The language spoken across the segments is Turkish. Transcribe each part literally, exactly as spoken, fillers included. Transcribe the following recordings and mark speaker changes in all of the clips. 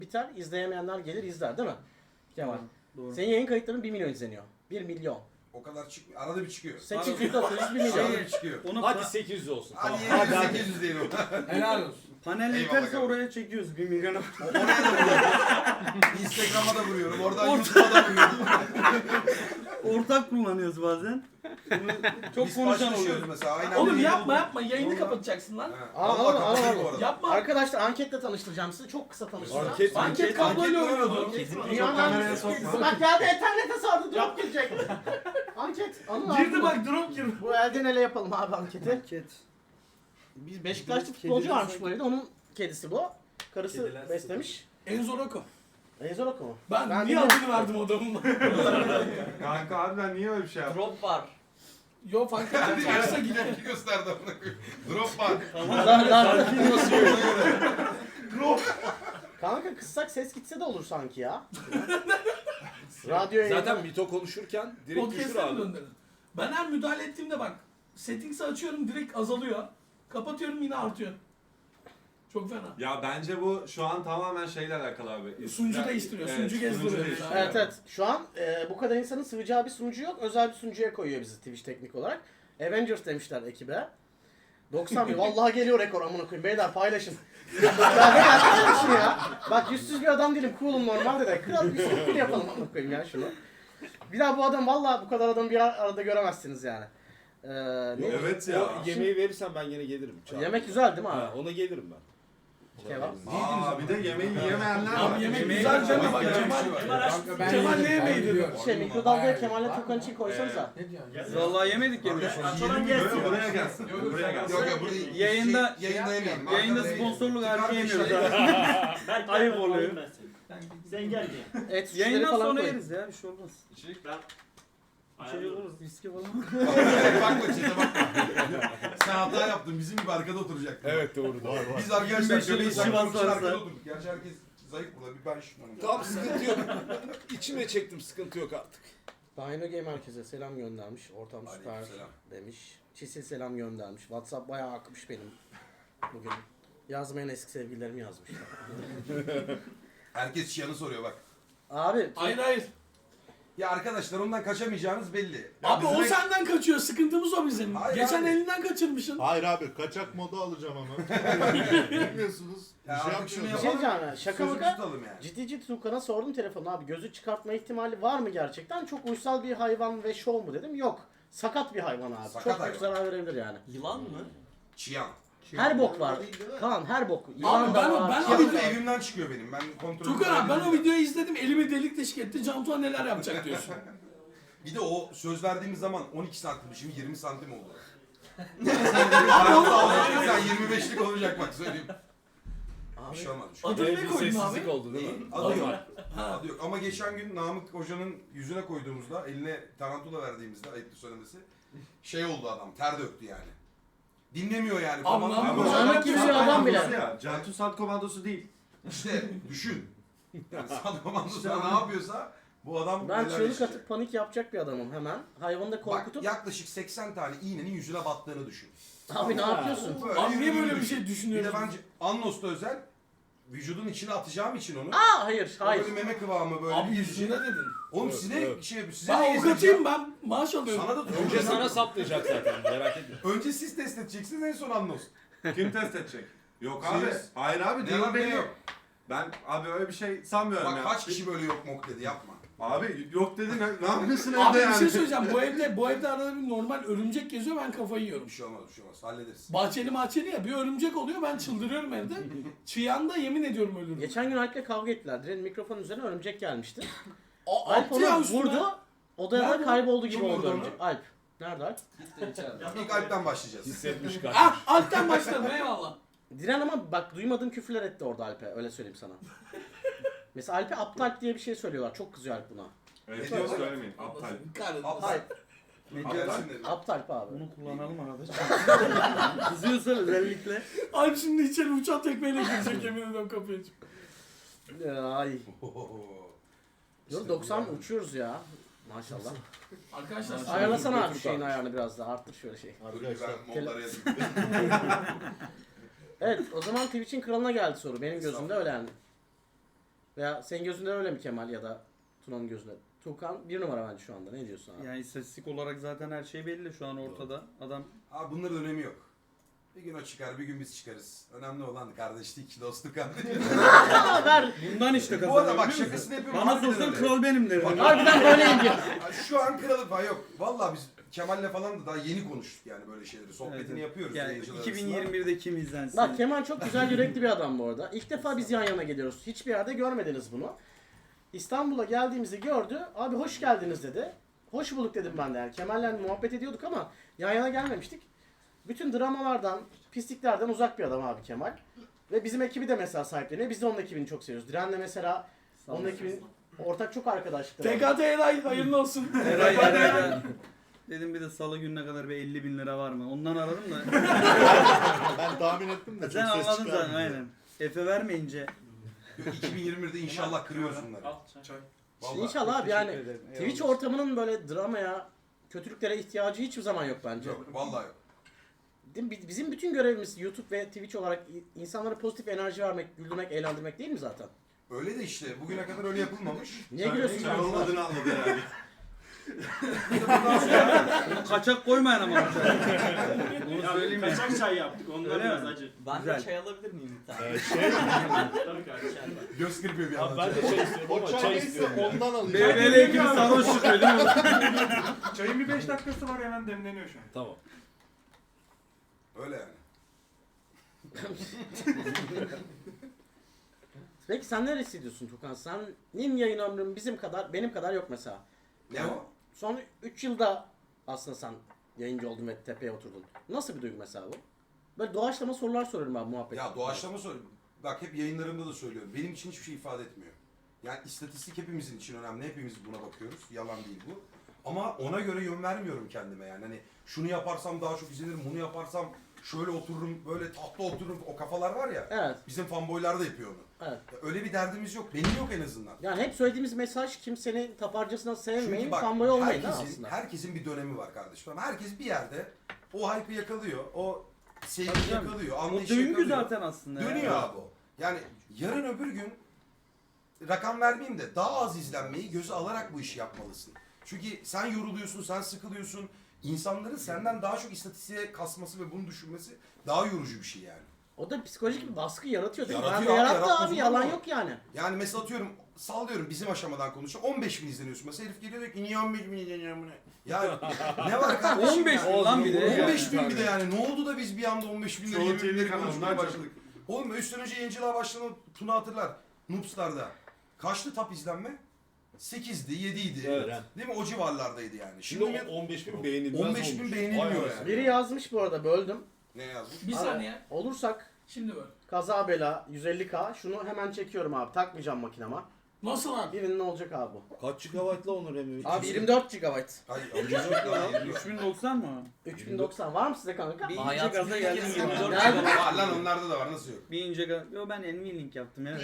Speaker 1: biter, izleyemeyenler gelir izler değil mi? Kemal.
Speaker 2: Doğru.
Speaker 1: Senin yayın kayıtların bir milyon izleniyor. bir milyon.
Speaker 3: O kadar çıkmıyor. Arada bir çıkıyor.
Speaker 1: sekiz yüz dokuz yüz bir milyon.
Speaker 3: Arada bir çıkıyor.
Speaker 2: Onu
Speaker 4: Hadi
Speaker 2: pa-
Speaker 4: sekiz yüz olsun.
Speaker 3: Hadi
Speaker 4: Tamam.
Speaker 3: yedi yüz sekiz yüz diyelim.
Speaker 5: Helal olsun.
Speaker 2: panel
Speaker 3: Eyvallah
Speaker 2: yeterse
Speaker 3: kardeşim.
Speaker 2: oraya çekiyoruz bir milyona.
Speaker 3: O- Oraya da vuruyorum. Instagram'a da vuruyorum. Oradan YouTube'a da vuruyorum.
Speaker 2: Ortak kullanıyoruz bazen. Bunu çok
Speaker 3: Biz
Speaker 2: konuşan
Speaker 3: paylaşıyoruz
Speaker 2: oluyor.
Speaker 3: mesela. Aynen
Speaker 5: Oğlum
Speaker 3: öyle.
Speaker 5: yapma yapma yayını
Speaker 3: Vallahi-
Speaker 5: kapatacaksın lan.
Speaker 3: Ha,
Speaker 1: Al,
Speaker 3: vallahi
Speaker 1: al, al,
Speaker 3: kapatayım
Speaker 1: al.
Speaker 3: bu arada.
Speaker 5: Yapma.
Speaker 1: Arkadaşlar anketle tanıştıracağım sizi. Çok kısa tanıştıracağım.
Speaker 4: Anket mi?
Speaker 5: Anket kabloyla
Speaker 3: Anket
Speaker 5: oynuyordu.
Speaker 1: Dünyanın
Speaker 2: kameraya
Speaker 1: en
Speaker 2: sokma.
Speaker 1: Bak geldi internete sardı drop girecek. Anket. Anıl abi.
Speaker 5: Girdi bak drop girdi.
Speaker 1: Bu elden ele yapalım abi anketi.
Speaker 2: Anket.
Speaker 1: Biz Beşiktaşlı
Speaker 2: Kediler
Speaker 1: futbolcu varmış
Speaker 2: sanki-
Speaker 1: bu evde. Onun kedisi bu. Karısı
Speaker 4: Kediler
Speaker 1: beslemiş.
Speaker 5: Enzo Rocco.
Speaker 1: Ezor Oku mu?
Speaker 5: Ben,
Speaker 1: Ben
Speaker 5: niye
Speaker 1: bilmiyorum.
Speaker 5: adını verdim adamın?
Speaker 6: Kanka harbiden niye öyle bir şey yaptın?
Speaker 4: Drop var.
Speaker 5: Yo fark etmez. Terse gider.
Speaker 3: Tepki gösterdi amına koyayım. Drop var.
Speaker 1: Lan lan. Kanka kıssak ses gitse de olur sanki ya. Radyo
Speaker 4: Zaten Mito konuşurken direkt düşür
Speaker 5: Podcast'e mi
Speaker 4: abi.
Speaker 5: döndürdün? Ben her müdahale ettiğimde bak. Settings'i açıyorum direkt azalıyor. Kapatıyorum yine artıyor. Çok fena.
Speaker 6: Ya bence bu şu an tamamen şeyle alakalı abi.
Speaker 5: Sunucu
Speaker 6: Ya-
Speaker 5: değiştiriyor,
Speaker 6: evet,
Speaker 5: sunucu gezdiriyor.
Speaker 6: değiştiriyor.
Speaker 1: Evet evet. Şu an e, bu kadar insanın sığacağı bir sunucu yok. Özel bir sunucuya koyuyor bizi Twitch teknik olarak. Avengers demişler ekibe. doksan bin. Vallahi geliyor rekor amına koyayım. Beyler paylaşın. Ya ben arkadaşım ya. Bak yüzsüz bir adam değilim. Cool'um normalde de. Kral bir sürü yapalım amına koyayım ya şunu. Bir daha bu adam vallahi bu kadar adamı bir arada göremezsiniz yani. Ee, ne?
Speaker 6: Evet ya.
Speaker 4: O yemeği verirsen ben yine gelirim. Çağır.
Speaker 1: Yemek güzel değil mi
Speaker 4: Ha,
Speaker 1: abi?
Speaker 4: ona gelirim ben.
Speaker 1: Kebap.
Speaker 6: Aa bir de yemeği yiyemeyenler var.
Speaker 5: Abi yemek
Speaker 2: Yemeği-
Speaker 5: güzel deme bak
Speaker 3: Yemek-
Speaker 5: Kemal.
Speaker 3: Kanka ben
Speaker 5: Kemal
Speaker 3: yedim,
Speaker 5: ne
Speaker 3: ben
Speaker 5: yemeği dedi?
Speaker 3: biliyorum.
Speaker 1: Şey mikrodalgaya Kemal'le Tukan için koysanıza.
Speaker 5: Ne diyorsun?
Speaker 2: Vallahi yemedik yemeği.
Speaker 3: Yiyelim böyle buraya gelsin. Buraya gelsin. Yok yok burada
Speaker 2: Yayında-
Speaker 3: şey, yayında yemeyelim.
Speaker 2: Yayında
Speaker 3: Arkada
Speaker 2: sponsorluk
Speaker 3: yemeyelim.
Speaker 2: harcı yemiyoruz
Speaker 3: Kardeşler-
Speaker 2: abi.
Speaker 7: Berk,
Speaker 2: Ayıp
Speaker 7: ben
Speaker 2: oluyor.
Speaker 7: alayım ben seni. Sen gel diye.
Speaker 1: Et suçları
Speaker 2: Yayından
Speaker 1: falan
Speaker 2: sonra
Speaker 1: koyun.
Speaker 2: yeriz ya bir şey olmaz.
Speaker 7: Ben
Speaker 2: Bir şey olmaz viski falan.
Speaker 3: Bakma çete bakma. Sen hata yaptın. Bizim gibi arkada oturacaktın.
Speaker 4: Evet doğru doğru.
Speaker 3: Biz arkadaşlar
Speaker 2: Beş yıl
Speaker 3: göbeği
Speaker 2: işi
Speaker 3: saklamak için
Speaker 2: varsa-
Speaker 3: arkada oturduk. Gerçi herkes zayıf burada. Bir ben şundan.
Speaker 4: Tamam sıkıntı yok. İçime çektim sıkıntı yok artık.
Speaker 1: Dino Game herkese selam göndermiş. Ortam süper
Speaker 3: Aleykümselam.
Speaker 1: demiş. Çisil selam göndermiş. WhatsApp bayağı akmış benim bugün. Yazmayan eski sevgililerim yazmış.
Speaker 3: Herkes şiyanı soruyor bak.
Speaker 1: Abi
Speaker 5: Hayır hayır.
Speaker 3: Ya arkadaşlar ondan kaçamayacağınız belli. Ya
Speaker 5: Abi o
Speaker 3: bizim-
Speaker 5: senden kaçıyor. Sıkıntımız o bizim.
Speaker 3: Hayır
Speaker 5: Geçen
Speaker 3: abi.
Speaker 5: elinden kaçırmışsın.
Speaker 8: Hayır abi kaçak moda alacağım ama. Bilmiyorsunuz.
Speaker 3: Ya
Speaker 8: bir şey
Speaker 3: artık şunu
Speaker 1: bir
Speaker 8: yapmıyoruz.
Speaker 1: şey
Speaker 3: yapalım.
Speaker 1: diyeceğim ya. Şaka
Speaker 3: Sözü
Speaker 1: maka.
Speaker 3: tutalım yani.
Speaker 1: Ciddi ciddi Tukan'a sordum telefonu abi. Gözü çıkartma ihtimali var mı gerçekten? Çok uysal bir hayvan ve şov mu dedim. Yok. Sakat bir hayvan abi.
Speaker 3: Sakat
Speaker 1: Çok büyük
Speaker 3: hayvan.
Speaker 1: zarar verebilir yani.
Speaker 7: Yılan mı?
Speaker 3: Çiyan.
Speaker 1: Her bok var. Kaan her bok. Yılan
Speaker 5: ben-
Speaker 1: da var.
Speaker 5: ben-
Speaker 1: çiyan
Speaker 3: Çiyan
Speaker 1: da
Speaker 3: da
Speaker 1: var.
Speaker 3: evimden çıkıyor benim. Ben kontrol
Speaker 5: Tukan abi ben o videoyu izledim. Elimi delik deşik etti. Cantuğa neler yapacak diyorsun.
Speaker 3: Bir de o söz verdiğimiz zaman on iki santim, şimdi yirmi santim oldu. Sen yirmi beşlik olacak bak söyleyeyim. Bir şey olmaz. bir şey olmaz.
Speaker 5: Adını
Speaker 4: Ee,
Speaker 5: ne
Speaker 4: bir
Speaker 5: koydun
Speaker 4: sessizlik
Speaker 5: abi?
Speaker 4: oldu değil mi?
Speaker 3: Adı yok.
Speaker 5: Ha.
Speaker 3: Adı yok. Ama geçen gün Namık Hoca'nın yüzüne koyduğumuzda, eline tarantula verdiğimizde, ayıptır söylemesi, şey oldu adam, ter döktü yani. Dinlemiyor yani.
Speaker 5: Abi,
Speaker 3: Tamam,
Speaker 5: Namık
Speaker 3: ama-
Speaker 5: Hoca-
Speaker 1: Namık gibi bir adam bile.
Speaker 6: Ya, Cantu Sat komandosu değil.
Speaker 3: İşte düşün. Yani sat komandosuna ne yapıyorsa bu adam
Speaker 1: Ben
Speaker 3: neler
Speaker 1: çığlık
Speaker 3: yaşayacak.
Speaker 1: atıp panik yapacak bir adamım hemen. Hayvanı da
Speaker 3: Bak
Speaker 1: korkutup
Speaker 3: yaklaşık seksen tane iğnenin yüzüne battığını düşün.
Speaker 1: abi ne yapıyorsun?
Speaker 3: Böyle
Speaker 5: Abi niye
Speaker 3: yürüdüğünü
Speaker 5: böyle bir
Speaker 3: düşün.
Speaker 5: şey
Speaker 3: Bir de
Speaker 5: düşünüyorsun?
Speaker 3: bence Annos'ta özel vücudun içine atacağım için onu.
Speaker 1: Aa hayır hayır.
Speaker 3: Böyle meme kıvamı böyle
Speaker 5: Abi
Speaker 3: bir
Speaker 5: yüzüne dedin.
Speaker 3: Oğlum
Speaker 4: Evet,
Speaker 3: size
Speaker 4: evet.
Speaker 3: şey yapıyor. Size
Speaker 5: Ben
Speaker 3: de
Speaker 5: avukatıyım
Speaker 3: gezdireceğim.
Speaker 5: ben. Maaş alıyorum.
Speaker 3: Sana da
Speaker 4: Önce sana saplayacak zaten merak etme.
Speaker 3: Önce siz test edeceksiniz en son Annos.
Speaker 6: Kim test edecek? Yok abi.
Speaker 3: Siz.
Speaker 6: Hayır abi
Speaker 3: Ne
Speaker 6: değil
Speaker 3: var ne
Speaker 6: belli.
Speaker 3: yok.
Speaker 6: Ben abi öyle bir şey sanmıyorum
Speaker 3: Bak
Speaker 6: ya.
Speaker 3: kaç kişi böyle yok mok dedi yapma.
Speaker 6: Abi yok dedin ne, ne yapıyorsun
Speaker 5: Abi
Speaker 6: evde
Speaker 5: bir
Speaker 6: yani?
Speaker 5: şey söyleyeceğim. Bu evde bu evde arada bir normal örümcek geziyor ben kafayı yiyorum.
Speaker 3: Bir şey olmaz bir şey olmaz hallederiz.
Speaker 5: Bahçeli mahçeli ya bir örümcek oluyor ben çıldırıyorum evde. Çıyanda yemin ediyorum ölürüm.
Speaker 1: Geçen gün Alp'le kavga ettiler. Direnin mikrofonun üzerine örümcek gelmişti.
Speaker 5: O,
Speaker 1: Alp
Speaker 5: attı ya
Speaker 1: onu
Speaker 5: üstüne.
Speaker 1: vurdu. Odaya da
Speaker 5: Nerede?
Speaker 1: kayboldu gibi
Speaker 3: Kim
Speaker 1: oldu
Speaker 3: vurdu onu?
Speaker 1: örümcek. Alp. Nerede Alp?
Speaker 3: İlk Alp'ten başlayacağız.
Speaker 4: Hissetmiş kaç.
Speaker 5: Ah alttan başladım eyvallah.
Speaker 1: Diren ama bak duymadığım küfürler etti orada Alp'e. Öyle söyleyeyim sana. Mesela Alp'e aptal diye bir şey söylüyorlar. Çok kızıyor Alp buna.
Speaker 6: Evet yok söylemeyin aptal.
Speaker 5: Kahretsin.
Speaker 1: Hayır.
Speaker 2: Ne
Speaker 3: Aptal
Speaker 2: diyorsun?
Speaker 3: şimdi.
Speaker 1: Aptal abi.
Speaker 2: Bunu kullanalım arada. Kızıyorsa özellikle.
Speaker 5: Alp şimdi içeri uçan tekmeyle girecek yemin ediyorum kapıya açıp.
Speaker 1: Ay.
Speaker 3: Ohoho.
Speaker 1: Yok doksan uçuyoruz ya. Maşallah.
Speaker 5: Arkadaşlar
Speaker 1: Ayarlasana abi şu şeyin ayarını biraz daha. Arttır şöyle şey.
Speaker 3: Dur
Speaker 8: Arkadaşlar.
Speaker 3: ben modlara yazayım.
Speaker 1: Evet o zaman Twitch'in kralına geldi soru. Benim gözümde öyle yani. Veya senin gözünde öyle mi Kemal ya da Tuna'nın gözünde? Tukan bir numara bence şu anda. Ne diyorsun abi?
Speaker 2: Yani istatistik olarak zaten her şey belli şu an ortada. Adam
Speaker 3: Abi bunların önemi yok. Bir gün o çıkar, bir gün biz çıkarız. Önemli olan kardeşlik, dostluk anlayın.
Speaker 1: Ver.
Speaker 2: bundan işte
Speaker 3: Bu arada
Speaker 2: kazanıyor.
Speaker 3: bak
Speaker 2: biliyor musun?
Speaker 3: şakasını yapıyorum.
Speaker 2: Bana
Speaker 3: harbiden
Speaker 2: sorsan
Speaker 3: öyle.
Speaker 2: kral benim derdim.
Speaker 1: Harbiden böyleyim diyor.
Speaker 3: Ya Şu an kralı falan yok. Vallahi biz Kemal'le falan da daha yeni konuştuk yani böyle şeyleri. Sohbetini
Speaker 2: Evet.
Speaker 3: yapıyoruz.
Speaker 2: Yani
Speaker 3: yayıncılar
Speaker 2: iki bin
Speaker 3: arasında.
Speaker 2: yirmi birde kim izlensin?
Speaker 1: Bak Kemal çok güzel yürekli bir adam bu arada. İlk defa biz yan yana geliyoruz. Hiçbir yerde görmediniz bunu. İstanbul'a geldiğimizi gördü. Abi hoş geldiniz dedi. Hoş bulduk dedim ben de yani. Kemal'le muhabbet ediyorduk ama yan yana gelmemiştik. Bütün dramalardan, pisliklerden uzak bir adam abi Kemal. Ve bizim ekibi de mesela sahipleniyor. Biz de onun ekibini çok seviyoruz. Diren'le mesela onun ekibinin ortak çok arkadaşlıkları var.
Speaker 5: T K T Eray hayırlı olsun.
Speaker 2: Eray, Eray, dedim bir de salı gününe kadar bir elli bin lira var mı? Ondan aradım da.
Speaker 8: Ben tahmin ettim de çok
Speaker 2: Sen
Speaker 8: ses
Speaker 2: anladın zaten
Speaker 8: çıkarmıyor.
Speaker 2: aynen. Efe vermeyince.
Speaker 3: iki bin yirmi birde inşallah kırıyoruz bunları. Vallahi.
Speaker 1: İnşallah abi yani
Speaker 2: Teşekkür ederim.
Speaker 1: Twitch
Speaker 2: Eyvallah.
Speaker 1: ortamının böyle dramaya, kötülüklere ihtiyacı hiçbir zaman yok bence.
Speaker 3: Yok, vallahi yok.
Speaker 1: Değil mi? Bizim bütün görevimiz YouTube ve Twitch olarak insanlara pozitif enerji vermek, güldürmek, eğlendirmek değil mi zaten?
Speaker 3: Öyle de işte bugüne kadar öyle yapılmamış.
Speaker 1: Niye gülüyorsun?
Speaker 6: Sen onun adını anladı herhalde.
Speaker 2: Bunu kaçak koymayın ama. Bunu
Speaker 7: Ya
Speaker 2: söyleyeyim ya.
Speaker 7: kaçak çay yaptık ondan
Speaker 2: Öyle
Speaker 7: biraz
Speaker 2: mi?
Speaker 7: acı.
Speaker 9: Ben
Speaker 2: Güzel.
Speaker 9: de çay alabilir miyim bir tane?
Speaker 8: Ee, şey,
Speaker 7: Tabii kardeşim.
Speaker 3: Göz kırpıyor bir
Speaker 8: abi
Speaker 3: anda.
Speaker 8: ben de çay istiyorum ama çay istiyorum. Ondan alacağım.
Speaker 2: B B L ekibi sarhoş çıkıyor değil mi?
Speaker 6: Çayın bir beş dakikası var hemen demleniyor şu an.
Speaker 8: Tamam.
Speaker 3: Öyle yani.
Speaker 1: Peki sen neresi hissediyorsun Tukan? Senin yayın ömrün bizim kadar, benim kadar yok mesela.
Speaker 3: Ne o?
Speaker 1: Son üç yılda aslında sen yayıncı oldun ve tepeye oturdun. Nasıl bir duygu mesela bu? Böyle doğaçlama sorular soruyorum ben muhabbet.
Speaker 3: Ya doğaçlama soruyorum. Bak hep yayınlarımda da söylüyorum. Benim için hiçbir şey ifade etmiyor. Yani istatistik hepimizin için önemli. Hepimiz buna bakıyoruz. Yalan değil bu. Ama ona göre yön vermiyorum kendime yani. Hani şunu yaparsam daha çok izlenirim, bunu yaparsam şöyle otururum, böyle tahta otururum. O kafalar var ya.
Speaker 1: Evet,
Speaker 3: Bizim fanboylar da yapıyor onu.
Speaker 1: evet.
Speaker 3: Ya öyle bir derdimiz yok. Benim yok en azından.
Speaker 1: Yani hep söylediğimiz mesaj kimsenin taparcasına sevmeyin,
Speaker 3: Çünkü bak
Speaker 1: fanboy olmayın ha
Speaker 3: herkesin,
Speaker 1: aslında.
Speaker 3: herkesin bir dönemi var kardeşim. Ama herkes bir yerde o hype'ı yakalıyor. O
Speaker 2: Tabii
Speaker 3: sevgiyi
Speaker 2: canım.
Speaker 3: yakalıyor.
Speaker 2: O
Speaker 3: Anlayışı
Speaker 2: döngü
Speaker 3: yakalıyor.
Speaker 2: zaten aslında. ya.
Speaker 3: Dönüyor abi o. Yani yarın öbür gün rakam vermeyeyim de daha az izlenmeyi göze alarak bu işi yapmalısın. Çünkü sen yoruluyorsun, sen sıkılıyorsun. İnsanların senden daha çok istatistiğe kasması ve bunu düşünmesi daha yorucu bir şey yani.
Speaker 1: O da psikolojik bir baskı yaratıyor değil mi?
Speaker 3: Yaratıyor
Speaker 1: Ben de
Speaker 3: abi,
Speaker 1: yarattı
Speaker 3: yaratmaz
Speaker 1: abi,
Speaker 3: olur
Speaker 1: yalan
Speaker 3: mu?
Speaker 1: yok yani.
Speaker 3: Yani mesela atıyorum, sallıyorum bizim aşamadan konuşuyorum. on beş bin izleniyorsun. Mesela herif geliyor diyor ki niye on beş bin izleniyorum buna? Ya ne var kardeşim?
Speaker 2: on beş
Speaker 3: ya?
Speaker 2: bin lan bir de.
Speaker 3: on beş bin bir de yani. Ne oldu da biz bir anda on beş binleri
Speaker 6: Çoğu
Speaker 3: yirmi
Speaker 6: T V
Speaker 3: binleri
Speaker 6: kanalından
Speaker 3: konuşmaya
Speaker 6: çok.
Speaker 3: başladık. Oğlum üstten önce yayıncılığa başlanan Tuna hatırlar. Noobstar'da. Kaçtı top izlenme? sekizdi, yediydi.
Speaker 8: Evet.
Speaker 3: Değil mi? O civarlardaydı yani.
Speaker 8: Şimdi
Speaker 3: Şimdi
Speaker 8: o on beş bin beğenilmez
Speaker 3: on beş bin
Speaker 8: olmuş.
Speaker 3: beğenilmiyor
Speaker 8: Vay
Speaker 3: yani.
Speaker 8: anasını.
Speaker 1: Biri yazmış bu arada, böldüm.
Speaker 3: ne yazmış?
Speaker 5: Bir
Speaker 1: Abi,
Speaker 5: saniye.
Speaker 1: Olursak
Speaker 5: Şimdi böyle.
Speaker 1: kaza bela yüz elli K, şunu hemen çekiyorum abi, takmayacağım makinama.
Speaker 5: Nasıl lan?
Speaker 1: Birinin ne olacak abi bu?
Speaker 8: Kaç gigabaytla Onur Emre?
Speaker 1: Abi yirmi dört gigabayt.
Speaker 3: Hayır, alacağım.
Speaker 2: üç bin doksan mı?
Speaker 1: üç bin doksan var mı size kanka?
Speaker 2: Bir ince
Speaker 9: Hayat
Speaker 2: gaza
Speaker 9: bir
Speaker 2: geldim
Speaker 9: kez
Speaker 2: yirmi dört
Speaker 1: Nerede?
Speaker 2: gigabayt.
Speaker 3: Var lan onlarda da var. Nasıl yok?
Speaker 2: Bir ince gaz... Yo ben Nvidia yaptım ya.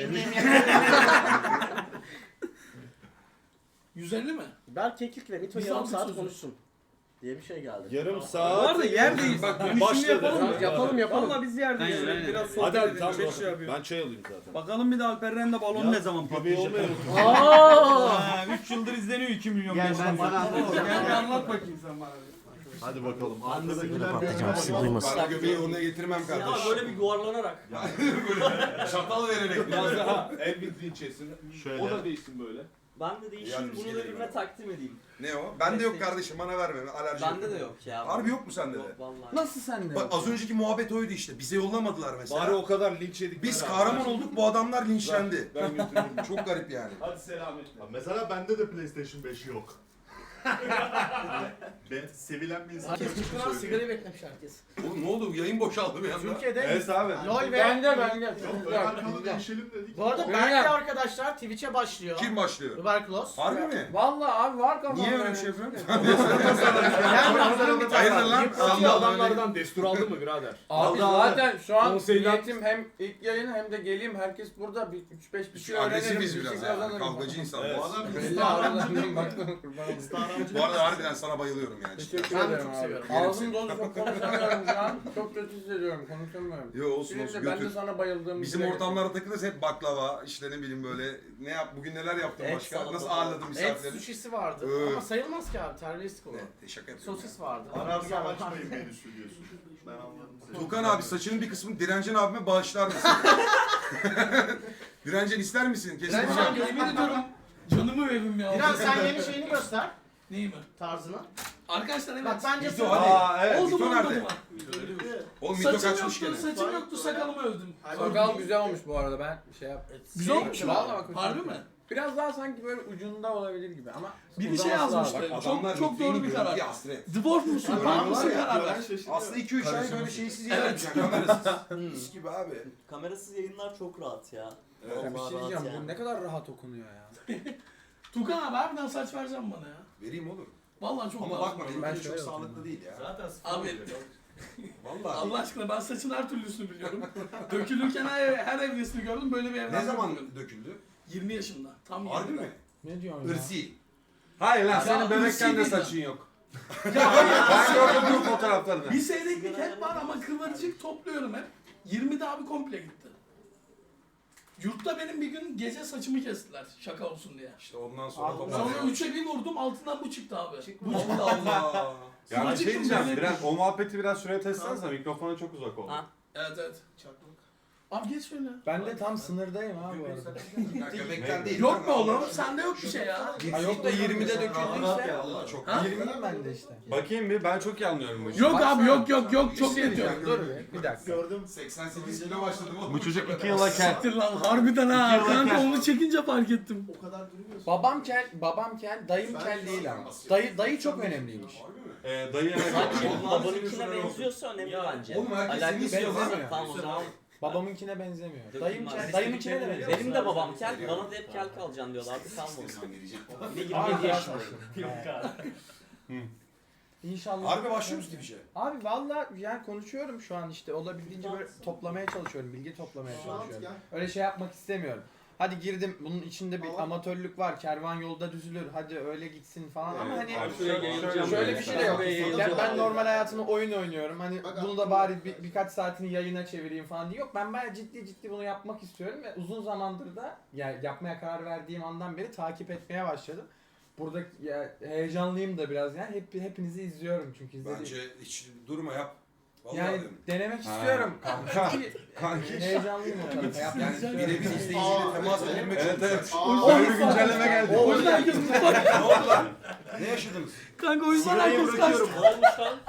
Speaker 5: yüz elli mi?
Speaker 1: Berk Keklik ve Mito
Speaker 5: Biz
Speaker 1: yarım
Speaker 5: aldık
Speaker 1: saat
Speaker 5: sözü.
Speaker 1: konuşsun diye bir şey geldi.
Speaker 8: Yarım
Speaker 2: Bu
Speaker 8: saat.
Speaker 2: arada yerdeyiz bak dönüşümü
Speaker 8: Başladı.
Speaker 2: yapalım mı?
Speaker 1: Tamam, yapalım yapalım.
Speaker 2: Valla biz yerdeyiz.
Speaker 1: Aynen,
Speaker 2: Şöyle
Speaker 1: aynen.
Speaker 2: Biraz sohbet
Speaker 8: Hadi hadi
Speaker 2: edelim.
Speaker 8: tamam.
Speaker 2: Şey şey yapıyor.
Speaker 8: Ben çay alayım zaten.
Speaker 2: Bakalım bir de Alper Ren'de balon
Speaker 8: Ya,
Speaker 2: ne zaman
Speaker 8: göbeği
Speaker 2: patlayacak?
Speaker 8: olmayalım.
Speaker 1: Aa!
Speaker 2: üç yıldır izleniyor iki milyon.
Speaker 9: Gel
Speaker 2: beş
Speaker 9: ben
Speaker 2: yüz.
Speaker 9: bana anlat.
Speaker 2: Gel bir anlat bakayım sen bana.
Speaker 8: Hadi bakalım.
Speaker 9: Arkadakiler
Speaker 1: patlayacağım, siz duymasın.
Speaker 3: Ben göbeği oraya getirmem
Speaker 9: Ya
Speaker 3: kardeş.
Speaker 9: böyle bir yuvarlanarak.
Speaker 3: Böyle şatal vererek.
Speaker 8: Biraz daha el bildiğin çesin.
Speaker 4: Şöyle.
Speaker 8: O da değilsin böyle.
Speaker 9: Ben de değişeyim
Speaker 3: Yani bir
Speaker 9: bunu
Speaker 3: şey
Speaker 9: da
Speaker 3: değil
Speaker 9: birine
Speaker 3: mi?
Speaker 9: takdim edeyim.
Speaker 3: Ne o? Bende yok kardeşim, bana verme. Alerji
Speaker 9: Bende de
Speaker 3: yapıyorum.
Speaker 9: yok ya.
Speaker 3: Harbi yok mu sende de?
Speaker 9: Yok vallahi.
Speaker 2: Nasıl sende?
Speaker 3: Bak az önceki muhabbet oydu işte. Bize yollamadılar mesela.
Speaker 8: Bari o kadar linç yedik.
Speaker 3: Biz
Speaker 8: ben
Speaker 3: kahraman
Speaker 8: abi.
Speaker 3: olduk, bu adamlar linçlendi.
Speaker 8: Ben götürürüm.
Speaker 3: Çok garip yani.
Speaker 8: Hadi selametle. Mesela bende de PlayStation beş yok. Ben sevilen bir insan.
Speaker 1: Herkes çıkıyor, sigarayı beklemiş herkes.
Speaker 3: Oğlum ne oldu? Yayın boşaldı bir anda.
Speaker 1: Türkiye'de
Speaker 6: Evet abi.
Speaker 1: LOL ve...
Speaker 2: Bende bende.
Speaker 8: Yok ön arkalı değişelim dedik.
Speaker 1: Bu arada Berk'le arkadaşlar Twitch'e başlıyor.
Speaker 3: Kim başlıyor?
Speaker 1: Tuberkulos.
Speaker 3: Harbi mi?
Speaker 2: Vallahi abi var kafamda.
Speaker 3: Niye öyle bir şey yapıyorsun?
Speaker 1: Yani hazırım bir tane.
Speaker 3: Hayırdır lan?
Speaker 1: Yıpratıyor
Speaker 3: Sen de
Speaker 1: adamlardan.
Speaker 10: destur aldı mı birader?
Speaker 2: Abi zaten şu an
Speaker 10: Konseyden-
Speaker 2: niyetim hem ilk yayın hem de geleyim herkes burada üç beş bir şey öğrenirim.
Speaker 3: Agresifiz
Speaker 2: bir şey
Speaker 3: biraz ha.
Speaker 2: kazanırım.
Speaker 3: Kavgacı insan.
Speaker 8: Evet.
Speaker 3: Bu adam
Speaker 10: Belli aralarından baktım.
Speaker 8: Star
Speaker 3: Bu arada harbiden sana bayılıyorum yani.
Speaker 4: Teşekkür
Speaker 1: Ben de
Speaker 4: ederim
Speaker 1: çok
Speaker 4: abi.
Speaker 1: seviyorum.
Speaker 4: Ağzım dolu çok konuşamıyorum şu an. Çok kötü hissediyorum konuşamıyorum.
Speaker 3: Yo olsun
Speaker 4: Şimdi
Speaker 3: olsun
Speaker 4: de ben de
Speaker 3: götür.
Speaker 4: sana bayıldığım
Speaker 3: Bizim ortamlarda takılırız hep baklava, işte ne bileyim böyle ne yap bugün neler yaptın
Speaker 9: Et
Speaker 3: başka?
Speaker 9: salata
Speaker 3: Nasıl
Speaker 9: falan.
Speaker 3: ağırladın
Speaker 1: Et
Speaker 3: misafirleri?
Speaker 1: suşisi vardı.
Speaker 3: Evet.
Speaker 1: Ama sayılmaz ki abi. Terbiyesizlik olur.
Speaker 3: Evet, şaka yapıyorum.
Speaker 1: Sosis vardı.
Speaker 8: Ararsam açmayın menüsü diyorsun. Ben anladım seni.
Speaker 3: Tukan abi saçının bir kısmını Direncen abime bağışlar mısın? Direncen ister misin?
Speaker 1: Direncen
Speaker 3: Kesinlikle.
Speaker 1: abi-
Speaker 5: Yemin ediyorum canımı veririm ya.
Speaker 1: Diren sen yeni şeyini göster.
Speaker 5: Neyi mi?
Speaker 1: Tarzını.
Speaker 5: Arkadaşlar evet.
Speaker 1: Bak bence
Speaker 3: Mito
Speaker 1: sen...
Speaker 3: hadi.
Speaker 4: Aa evet.
Speaker 5: Oldu
Speaker 3: Mito
Speaker 5: mu
Speaker 3: nerede?
Speaker 5: olmadı mı?
Speaker 3: Oğlum Mito
Speaker 5: Saçım
Speaker 3: kaçmış
Speaker 5: yoktu,
Speaker 3: gene.
Speaker 5: saçım yoktu, sakalımı övdüm.
Speaker 4: Sakal güzel olmuş bu arada ben şey yap.
Speaker 5: Güzel olmuş mu?
Speaker 4: Vallahi bak,
Speaker 5: Harbi mi?
Speaker 4: Biraz daha sanki böyle ucunda olabilir gibi ama
Speaker 5: Biri şey
Speaker 4: uzaması
Speaker 5: yazmıştı.
Speaker 4: lazım.
Speaker 3: Bak,
Speaker 5: Çok
Speaker 3: adamlar
Speaker 5: çok
Speaker 3: Mito'yu
Speaker 5: doğru bir
Speaker 3: görüyor,
Speaker 5: karar.
Speaker 3: hasret.
Speaker 5: Dwarf musun?
Speaker 3: Adam
Speaker 5: Punk
Speaker 3: var
Speaker 5: mısın
Speaker 3: ya,
Speaker 5: karar ver.
Speaker 3: Aslında iki üç ay
Speaker 4: Karışım
Speaker 3: böyle
Speaker 4: mısın?
Speaker 3: şeysiz yayınlayacaksın kamerasız. Mis gibi abi.
Speaker 9: Kamerasız yayınlar çok rahat ya.
Speaker 4: Ya
Speaker 9: Vallahi
Speaker 4: bir şey
Speaker 9: rahat
Speaker 4: diyeceğim
Speaker 9: yani.
Speaker 4: bu ne kadar rahat okunuyor ya.
Speaker 5: Tukan abi harbiden saç vereceğim bana ya.
Speaker 3: Vereyim oğlum.
Speaker 5: Vallahi çok
Speaker 3: Ama
Speaker 5: lazım.
Speaker 3: bakma
Speaker 4: Ben
Speaker 3: benimki de
Speaker 4: şöyle
Speaker 3: çok
Speaker 4: yapayım
Speaker 3: sağlıklı değil ya.
Speaker 7: Zaten sıfır
Speaker 5: Abi
Speaker 7: oluyor.
Speaker 3: Vallahi.
Speaker 5: Allah aşkına ben saçın her türlüsünü biliyorum. Dökülürken her, her evresini gördüm. Böyle bir evren
Speaker 3: Ne zaman
Speaker 5: görmedim.
Speaker 3: döküldü?
Speaker 5: yirmi yaşımda. Tam
Speaker 3: Harbi
Speaker 5: yirmide.
Speaker 3: mi?
Speaker 4: Ne diyorsun ya?
Speaker 3: Irsi.
Speaker 4: Hayır lan
Speaker 5: Ya,
Speaker 4: senin bebekken de
Speaker 5: ırsi
Speaker 4: saçın
Speaker 5: değil
Speaker 4: yok.
Speaker 5: Ya hayır.
Speaker 4: Ben gördüm bu fotoğraflarını.
Speaker 5: Bir seyreklik hep var ama kıvırcık topluyorum hep. yirmide abi komple gitti. Yurtta benim bir gün gece saçımı kestiler şaka olsun diye.
Speaker 3: İşte ondan sonra
Speaker 4: Abi,
Speaker 3: toparlanıyor.
Speaker 5: Sonra üçe bir vurdum altından bu çıktı abi. Bu çıktı
Speaker 3: Allah
Speaker 5: altından.
Speaker 3: Allah.
Speaker 10: Ya bir
Speaker 5: Kıvırcık
Speaker 10: şey diyeceğim,
Speaker 5: böyle-
Speaker 10: biraz, o muhabbeti biraz şuraya taşısanıza, mikrofona çok uzak oldu.
Speaker 9: Ha.
Speaker 5: Evet evet. Abi geç şöyle.
Speaker 4: Ben de tam sınırdayım abi bu arada.
Speaker 3: Ya göbekten değil.
Speaker 5: Yok mu oğlum? Sende yok bir şey ya.
Speaker 4: Ha yok da yirmide döküldüyse.
Speaker 3: Allah çok.
Speaker 5: Ha?
Speaker 4: yirmiyim ben de işte.
Speaker 10: Bakayım bir, ben çok iyi anlıyorum bu işi.
Speaker 5: Yok
Speaker 4: Baksana.
Speaker 5: abi yok yok yok çok
Speaker 4: Bir şey
Speaker 5: net yok.
Speaker 4: diyeceğim, dur bir, bir dakika.
Speaker 8: Gördüm.
Speaker 3: seksen sekiz kilo başladım oğlum.
Speaker 10: Bu çocuk iki yıla kel.
Speaker 5: Siktir lan harbiden ha.
Speaker 10: İki yıla
Speaker 5: Kanka
Speaker 10: kel.
Speaker 5: onu çekince fark ettim.
Speaker 8: O kadar durmuyorsun.
Speaker 4: Babam kel, babam kel, dayım
Speaker 8: Ben
Speaker 4: kel
Speaker 8: şu
Speaker 4: değil
Speaker 3: an
Speaker 4: ama.
Speaker 3: basıyorum.
Speaker 4: Dayı dayı çok önemliymiş.
Speaker 3: Harbi mi?
Speaker 10: Ee, dayı evet.
Speaker 9: Sanki
Speaker 3: Vallahi
Speaker 9: babanınkine
Speaker 3: senin
Speaker 9: benziyorsa önemli
Speaker 7: Ya,
Speaker 9: bence.
Speaker 3: oğlum herkes
Speaker 9: Alakası
Speaker 3: senin
Speaker 9: yok.
Speaker 3: istiyor
Speaker 4: lan.
Speaker 9: Tamam o zaman.
Speaker 4: Babamınkine benzemiyor.
Speaker 9: Dökülmez.
Speaker 4: Dayım kel,
Speaker 9: Biz
Speaker 4: dayımınkine de
Speaker 7: de
Speaker 4: benziyor.
Speaker 9: Benim de babam kel, bana da hep kel kalacaksın diyorlardı. Kalmadı.
Speaker 3: İstiyorsan vereceğim.
Speaker 9: Bir de yirmi
Speaker 4: Abi
Speaker 9: yedi
Speaker 4: ya.
Speaker 9: yaşındayım.
Speaker 7: Yok abi.
Speaker 4: İnşallah.
Speaker 3: Harbi başlıyor musun Twitch'e?
Speaker 4: Abi valla yani konuşuyorum şu an işte olabildiğince böyle toplamaya çalışıyorum, bilgi toplamaya
Speaker 8: Şu an
Speaker 4: çalışıyorum.
Speaker 8: gel.
Speaker 4: Öyle şey yapmak istemiyorum. Hadi girdim bunun içinde bir
Speaker 8: Tamam.
Speaker 4: amatörlük var, kervan yolda düzülür, hadi öyle gitsin falan ama
Speaker 10: Evet,
Speaker 4: hani
Speaker 10: abi
Speaker 9: şuraya
Speaker 10: şöyle-
Speaker 9: yayılacağım
Speaker 4: şöyle
Speaker 9: böyle.
Speaker 4: bir şey de yok.
Speaker 9: Şuraya
Speaker 4: Yani
Speaker 9: yayılacağım
Speaker 4: ben
Speaker 9: abi.
Speaker 4: normal hayatımda oyun oynuyorum. Hani
Speaker 8: Bak,
Speaker 4: bunu
Speaker 8: aklıma
Speaker 4: da bari
Speaker 8: geldi.
Speaker 4: bir, birkaç saatini yayına çevireyim falan diye. Yok ben bayağı ciddi ciddi bunu yapmak istiyorum ve uzun zamandır da yani yapmaya karar verdiğim andan beri takip etmeye başladım. Burada ya, heyecanlıyım da biraz yani hep hepinizi izliyorum çünkü izlediğim.
Speaker 3: Bence hiç durma yap. Vallahi
Speaker 4: Yani
Speaker 3: diyorum.
Speaker 4: denemek
Speaker 10: Ha.
Speaker 4: istiyorum.
Speaker 10: Kanka.
Speaker 4: Çünkü
Speaker 10: Kanki.
Speaker 4: heyecanlıyım o tarafa. Yapmak
Speaker 3: Yani
Speaker 4: istiyorum.
Speaker 3: birebir izleyiciyle temas edilmek
Speaker 10: Evet
Speaker 3: çok
Speaker 10: evet.
Speaker 3: güzel.
Speaker 8: Aa,
Speaker 10: Böyle bir güncelleme geldi.
Speaker 5: O yüzden herkes
Speaker 3: Ne oldu lan? Ne yaşadınız?
Speaker 5: Kanka o yüzden herkes kaçtı.
Speaker 9: Ne olmuş lan?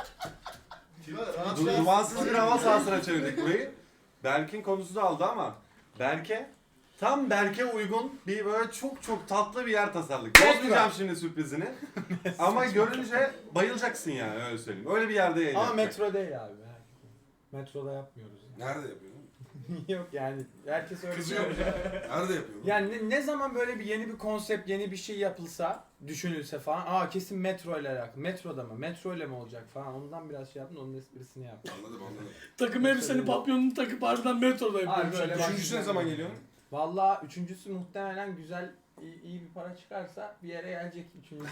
Speaker 8: rahat
Speaker 10: Du-
Speaker 8: rahat-
Speaker 10: Dumansız bir hava sahasına çevirdik burayı. Berk'in konusu da aldı ama Berk'e tam Berk'e uygun bir böyle çok çok tatlı bir yer tasarladık. Bozmayacağım şimdi sürprizini. Ama görünce bayılacaksın yani öyle söyleyeyim. Öyle bir yerde yayın
Speaker 4: Ama
Speaker 10: yapacak.
Speaker 4: metro değil abi. Metroda yapmıyoruz.
Speaker 3: Nerede yapıyorsun?
Speaker 4: Yok yani herkes öyle
Speaker 3: Kızıyor mu? Nerede yapıyorsun?
Speaker 4: Yani ne, ne zaman böyle bir yeni bir konsept, yeni bir şey yapılsa, düşünülse falan, aa kesin metro ile alakalı. Metroda mı? Metro ile mi olacak falan. Ondan biraz şey yaptım, onun esprisini yaptım.
Speaker 3: Anladım anladım.
Speaker 5: Takım elbiseni papyonunu takıp harbiden metroda
Speaker 4: Abi
Speaker 5: yapıyorum.
Speaker 4: böyle bak-
Speaker 3: Üçüncüsü ne zaman geliyor?
Speaker 4: Valla üçüncüsü muhtemelen güzel, iyi, iyi bir para çıkarsa bir yere gelecek üçüncüsü.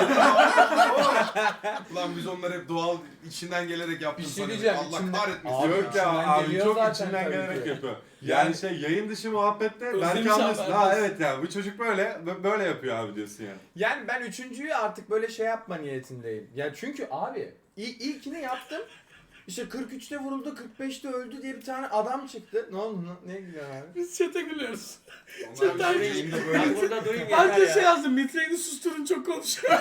Speaker 3: Ulan biz onları hep doğal içinden gelerek yaptık.
Speaker 4: Bir şey
Speaker 3: sanıyorduk.
Speaker 4: diyeceğim,
Speaker 3: Allah
Speaker 4: içimden-
Speaker 3: kahretmesin.
Speaker 4: Abi,
Speaker 10: Yok ya
Speaker 4: içinden
Speaker 10: abi
Speaker 4: geliyor
Speaker 10: çok
Speaker 4: zaten
Speaker 10: içinden
Speaker 4: tabii
Speaker 10: gelerek
Speaker 4: ki.
Speaker 10: yapıyor. Yani şey yayın dışı muhabbette
Speaker 5: Özlemiş
Speaker 10: belki
Speaker 5: abi
Speaker 10: anlıyorsun. Ha
Speaker 5: herkes.
Speaker 10: evet ya bu çocuk böyle böyle yapıyor abi diyorsun yani.
Speaker 4: Yani ben üçüncüyü artık böyle şey yapma niyetindeyim. Ya çünkü abi il- ilkini yaptım. İşte kırk üçte vuruldu, kırk beşte öldü diye bir tane adam çıktı. Ne oldu? Ne, ne gülüyorsun abi?
Speaker 5: Biz çete gülüyoruz.
Speaker 3: Onlar bir
Speaker 5: Cidden-
Speaker 3: yayında böyle.
Speaker 9: Ben burada durayım yeter
Speaker 5: Herkes şey
Speaker 9: ya.
Speaker 5: yazdı. Mitreyini susturun çok konuşuyor.